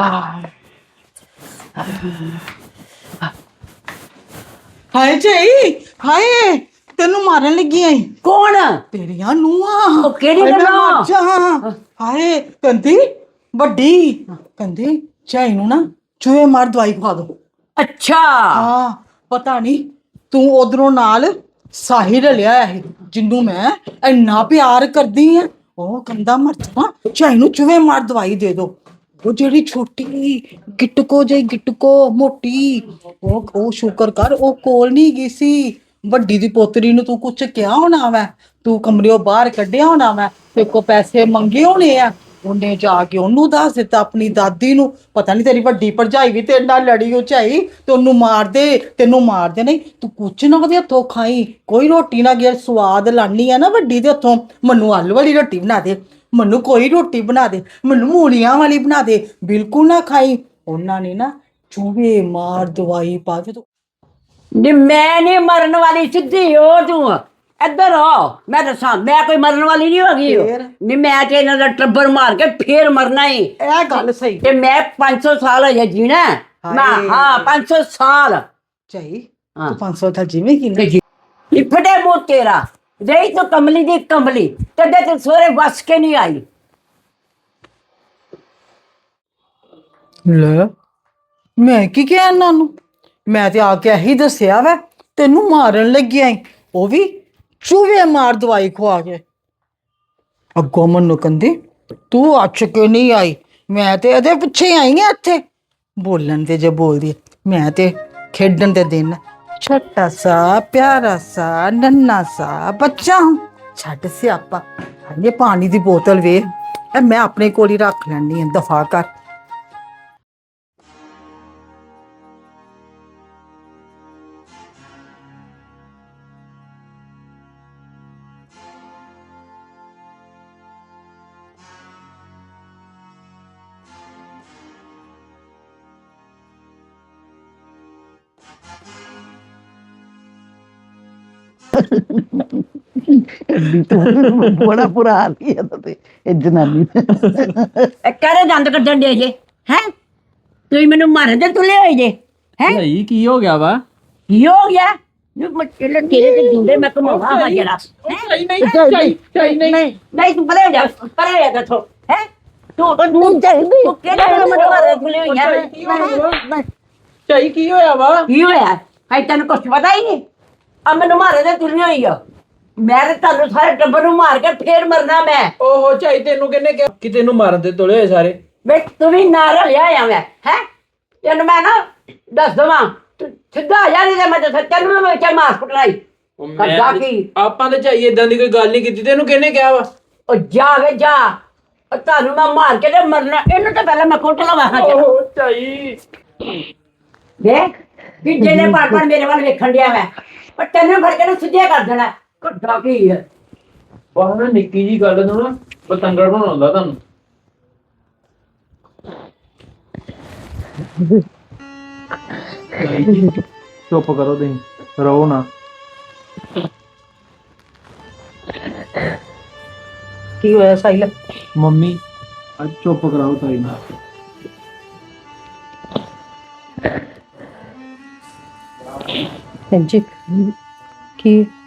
[SPEAKER 4] ਹਾਏ ਝਾਈ, ਹਾਏ ਤੈਨੂੰ ਮਾਰਨ ਲੱਗੀ ਆਈ।
[SPEAKER 6] ਕੌਣ?
[SPEAKER 4] ਤੇਰੀਆਂ ਨੂੰਹਾਂ।
[SPEAKER 6] ਉਹ ਕਿਹੜੀ
[SPEAKER 4] ਹਾਏ, ਮੈਂ
[SPEAKER 6] ਗੱਲਾਂ?
[SPEAKER 4] ਮਰ ਜਾ। ਹਾਏ ਕਹਿੰਦੀ ਵੱਡੀ ਕਹਿੰਦੀ ਝਾਈ ਨੂੰ ਨਾ ਚੂਹੇ ਮਾਰ ਦਵਾਈ ਖਵਾ ਦੋ।
[SPEAKER 6] ਅੱਛਾ।
[SPEAKER 4] ਹਾਂ ਪਤਾ ਨਹੀਂ ਤੂੰ ਉਧਰੋਂ ਨਾਲ ਸਾਹਿਲ ਲਿਆ ਹੈ ਜਿਹਨੂੰ ਮੈਂ ਇੰਨਾ ਪਿਆਰ ਕਰਦੀ ਆ। ਉਹ ਕਹਿੰਦਾ ਮਰ ਜਾ ਝਾਈ ਨੂੰ ਚੂਹੇ ਮਾਰ ਦਵਾਈ ਦੇ ਦੋ। ਉਹ ਜਿਹੜੀ ਛੋਟੀ ਗਿਟਕੋ ਜਿਹੀ ਗਿਟਕੋ ਮੋਟੀ, ਉਹ ਉਹ ਸ਼ੁਕਰ ਕਰ ਉਹ ਕੋਲ ਨਹੀਂ ਗਈ ਸੀ। ਵੱਡੀ ਦੀ ਪੋਤਰੀ ਨੂੰ ਤੂੰ ਕੁਛ ਕਿਹਾ ਹੋਣਾ ਵੈ, ਤੂੰ ਕਮਰਿਓ ਬਾਹਰ ਕੱਢਿਆ ਹੋਣਾ ਵੈ, ਤੇ ਕੋ ਪੈਸੇ ਮੰਗੇ ਹੋਣੇ ਆ, ਉਹਨੇ ਜਾ ਕੇ ਉਹਨੂੰ ਦੱਸ ਦਿੱਤਾ ਆਪਣੀ ਦਾਦੀ ਨੂੰ। ਪਤਾ ਨਹੀਂ ਤੇਰੀ ਵੱਡੀ ਭਰਜਾਈ ਵੀ ਤੇਰੇ ਨਾਲ ਲੜੀ ਹੋ ਝਾਈ ਤੇ ਉਹਨੂੰ ਮਾਰ ਦੇ, ਤੈਨੂੰ ਮਾਰ ਦੇ। ਨਹੀਂ ਤੂੰ ਕੁਛ ਨਾ ਉਹਦੇ ਹੱਥੋਂ ਖਾਈ, ਕੋਈ ਰੋਟੀ ਨਾ ਗਿਆ, ਸਵਾਦ ਲਾਣੀ ਆ ਨਾ ਵੱਡੀ ਦੇ ਹੱਥੋਂ। ਮੈਨੂੰ ਆਲੂ ਵਾਲੀ ਰੋਟੀ ਬਣਾ ਦੇ, ਮੈਨੂੰ ਕੋਈ ਰੋਟੀ ਬਣਾ ਦੇ, ਮੈਨੂੰ ਮੂਲੀਆਂ ਵਾਲੀ ਬਣਾ ਦੇ, ਬਿਲਕੁਲ ਨਾ ਖਾਈ। ਉਹਨਾਂ ਨੇ ਨਾ ਚੂਹੇ ਮਾਰ ਦਵਾਈ ਪਾ ਕੇ ਤੂੰ
[SPEAKER 6] ਨੀ ਮੈਂ ਨਹੀਂ ਮਰਨ ਵਾਲੀ, ਸਿੱਧੀ ਹੋ ਤੂੰ ਇੱਧਰ ਆ। ਮੈਂ ਦੱਸਾਂ, ਮੈਂ ਕੋਈ ਮਰਨ ਵਾਲੀ ਨਹੀਂ ਹੈਗੀ।
[SPEAKER 4] ਫੇਰ?
[SPEAKER 6] ਨਹੀਂ ਮੈਂ ਤੇ ਇਹਨਾਂ ਦਾ ਟੱਬਰ ਮਾਰ ਕੇ ਫੇਰ ਮਰਨਾ ਹੀ।
[SPEAKER 4] ਇਹ ਗੱਲ ਸਹੀ
[SPEAKER 6] ਤੇ ਮੈਂ ਪੰਜ ਸੌ ਸਾਲ ਹਜੇ ਜੀਣਾ ਹੈ। ਮੈਂ
[SPEAKER 4] ਹਾਏ।
[SPEAKER 6] ਹਾਂ ਪੰਜ ਸੌ ਸਾਲ
[SPEAKER 4] ਝਾਈ
[SPEAKER 6] ਹਾਂ।
[SPEAKER 4] ਤੂੰ ਪੰਜ ਸੌ ਦਾ ਜਿਵੇਂ ਕਿ
[SPEAKER 6] ਤੇ ਜੀ ਫਟੇ ਮੂੰਹ ਤੇਰਾ, ਰਹੀ ਤੂੰ ਕਮਲੀ ਦੀ ਕਮਲੀ, ਤਦੇ ਤੇ ਸੋਰੇ ਵਸ ਕੇ ਨਹੀਂ ਆਈ।
[SPEAKER 4] ਲੈ ਮੈਂ ਕੀ ਕਿਹਾ ਇਹਨਾਂ ਨੂੰ? ਮੈਂ ਤੇ ਆ ਕੇ ਇਹੀ ਦੱਸਿਆ ਵੈ ਤੈਨੂੰ ਮਾਰਨ ਲੱਗਿਆ ਈ, ਉਹ ਵੀ ਚੂਹੇ ਮਾਰ ਦਵਾਈ ਖਵਾ ਕੇ। ਅੱਗੋਂ ਮੈਨੂੰ ਕਹਿੰਦੀ ਤੂੰ ਅੱਛ ਕੇ ਨਹੀਂ ਆਈ, ਮੈਂ ਤੇ ਇਹਦੇ ਪਿੱਛੇ ਆਈ ਆ ਇੱਥੇ। ਬੋਲਣ ਤੇ ਜੇ ਬੋਲਦੀ ਹੈ, ਮੈਂ ਤੇ ਖੇਡਣ ਦੇ ਦਿਨ ਛੋਟਾ ਸਾ ਪਿਆਰਾ ਸਾ ਨੰਨਾ ਸਾ ਬੱਚਾ ਹੂੰ। ਛੱਡ ਸਿਆਪਾ, ਇਹ ਪਾਣੀ ਦੀ ਬੋਤਲ ਵੇ, ਇਹ ਮੈਂ ਆਪਣੇ ਕੋਲ ਹੀ ਰੱਖ ਲੈਣੀ ਹੈ, ਦਫਾ ਕਰ।
[SPEAKER 2] ਬੜਾ ਬੁਰਾ ਹਾਲ ਹੀ ਹੈ ਤੇ ਇਹ ਜਨਾਨੀ ਦਾ।
[SPEAKER 6] ਇਹ ਕਰੇ ਦੰਦ ਕੱਢਣ ਦੇ ਜੇ ਹੈ, ਤੁਸੀਂ ਮੈਨੂੰ ਮਾਰਨ ਦੇ ਤੁਲੇ ਹੋਏ ਜੇ ਹੈ।
[SPEAKER 3] ਭਾਈ ਕੀ ਹੋ ਗਿਆ ਵਾ?
[SPEAKER 6] ਕੀ ਹੋ ਗਿਆ? ਨੂੰ ਮੱਛਲੇ ਤੇਰੇ ਤੇ ਗੁੰਡੇ ਮੈਂ ਕਮਾਵਾ ਵਾ ਜਰਾ।
[SPEAKER 3] ਨਹੀਂ ਨਹੀਂ ਚਾਈ ਚਾਈ ਨਹੀਂ
[SPEAKER 6] ਨਹੀਂ ਤੂੰ ਪਰੇ ਹੋ ਜਾ, ਪਰੇ ਹੋ ਜਾ ਇੱਥੋਂ ਹੈ। ਤੂੰ ਤੂੰ ਚਾਹੀਦੀ ਤੂੰ ਕਿਹੜਾ ਮੈਨੂੰ ਮਾਰਨ ਤੁਲੇ ਹੋਈ ਯਾਰ?
[SPEAKER 3] ਚਾਈ ਕੀ ਹੋਇਆ ਵਾ?
[SPEAKER 6] ਕੀ ਹੋਇਆ ਹੈ? ਤੈਨੂੰ ਕੁਛ ਪਤਾ ਹੀ ਨਹੀਂ। ਆ ਮੈਨੂੰ ਮਾਰਨ ਦੇ ਤੁਲੇ ਹੋਈ ਆ। ਮੈਂ ਤੇ ਤੁਹਾਨੂੰ ਸਾਰੇ ਟੱਬਰ ਨੂੰ ਮਾਰ ਕੇ ਫੇਰ ਮਰਨਾ ਮੈਂ।
[SPEAKER 3] ਓਹੋ ਚਾਈ ਤੈਨੂੰ ਕਿਹਨੇ ਕਿਹਾ ਕਿ ਤੈਨੂੰ ਮਾਰਨ ਤੇ ਤੁਲੇ ਹੋਏ ਸਾਰੇ?
[SPEAKER 6] ਵੇ ਤੂੰ ਵੀ ਨਾਲ ਰਲਿਆ ਆ ਮੈਂ ਹੈ। ਤੈਨੂੰ ਮੈਂ ਨਾ ਦੱਸ ਦਵਾਂ, ਤੂੰ ਸਿੱਧਾ ਆ ਜਾ, ਨਹੀਂ ਤੇ ਮੈਂ ਤੇ ਤੈਨੂੰ ਮੈਂ ਇੱਥੇ ਮਾਰ ਕੁੱਟਣਾ ਈ। ਕਰਦਾ ਕੀ?
[SPEAKER 3] ਆਪਾਂ ਤੇ ਚਾਈ ਇਦਾਂ ਦੀ ਕੋਈ ਗੱਲ ਨਹੀਂ ਕੀਤੀ, ਤੈਨੂੰ ਕਿਹਨੇ ਕਿਹਾ ਵਾ?
[SPEAKER 6] ਉਹ ਜਾ ਵੇ ਜਾ, ਉਹ ਤੁਹਾਨੂੰ ਮੈਂ ਮਾਰ ਕੇ ਤੇ ਮਰਨਾ। ਇਹਨੂੰ ਤਾਂ ਪਹਿਲਾਂ ਮੈਂ ਕੁੱਟ ਲਵਾਂ।
[SPEAKER 3] ਓਹੋ ਚਾਈ
[SPEAKER 6] ਦੇਖ ਕਿ ਜਿਹਨੇ ਪਰ ਪਰ ਮੇਰੇ ਵੱਲ ਵੇਖਣ ਡਿਆ ਮੈਂ, ਪਰ ਤੈਨੂੰ ਫੜ ਕੇ ਨਾ ਸਿੱਧਿਆ ਕਰ ਦੇਣਾ। ਕੱਢਾ ਕੀ ਹੈ?
[SPEAKER 3] ਬਾਹਰ ਨਾ ਨਿੱਕੀ ਜੀ ਗੱਲ ਨੂੰ ਨਾ ਪਤੰਗੜ ਬਣਾਉਂਦਾ ਤੁਹਾਨੂੰ। ਚੁੱਪ ਕਰੋ ਤੁਸੀਂ, ਰੋ ਨਾ।
[SPEAKER 4] ਕੀ ਹੋਇਆ ਸਾਹਿਲ?
[SPEAKER 3] ਮੰਮੀ ਅੱਜ ਚੁੱਪ ਕਰਾਓ ਤਾਈ ਨਾਲ।
[SPEAKER 4] ਹਾਂਜੀ ਕੀ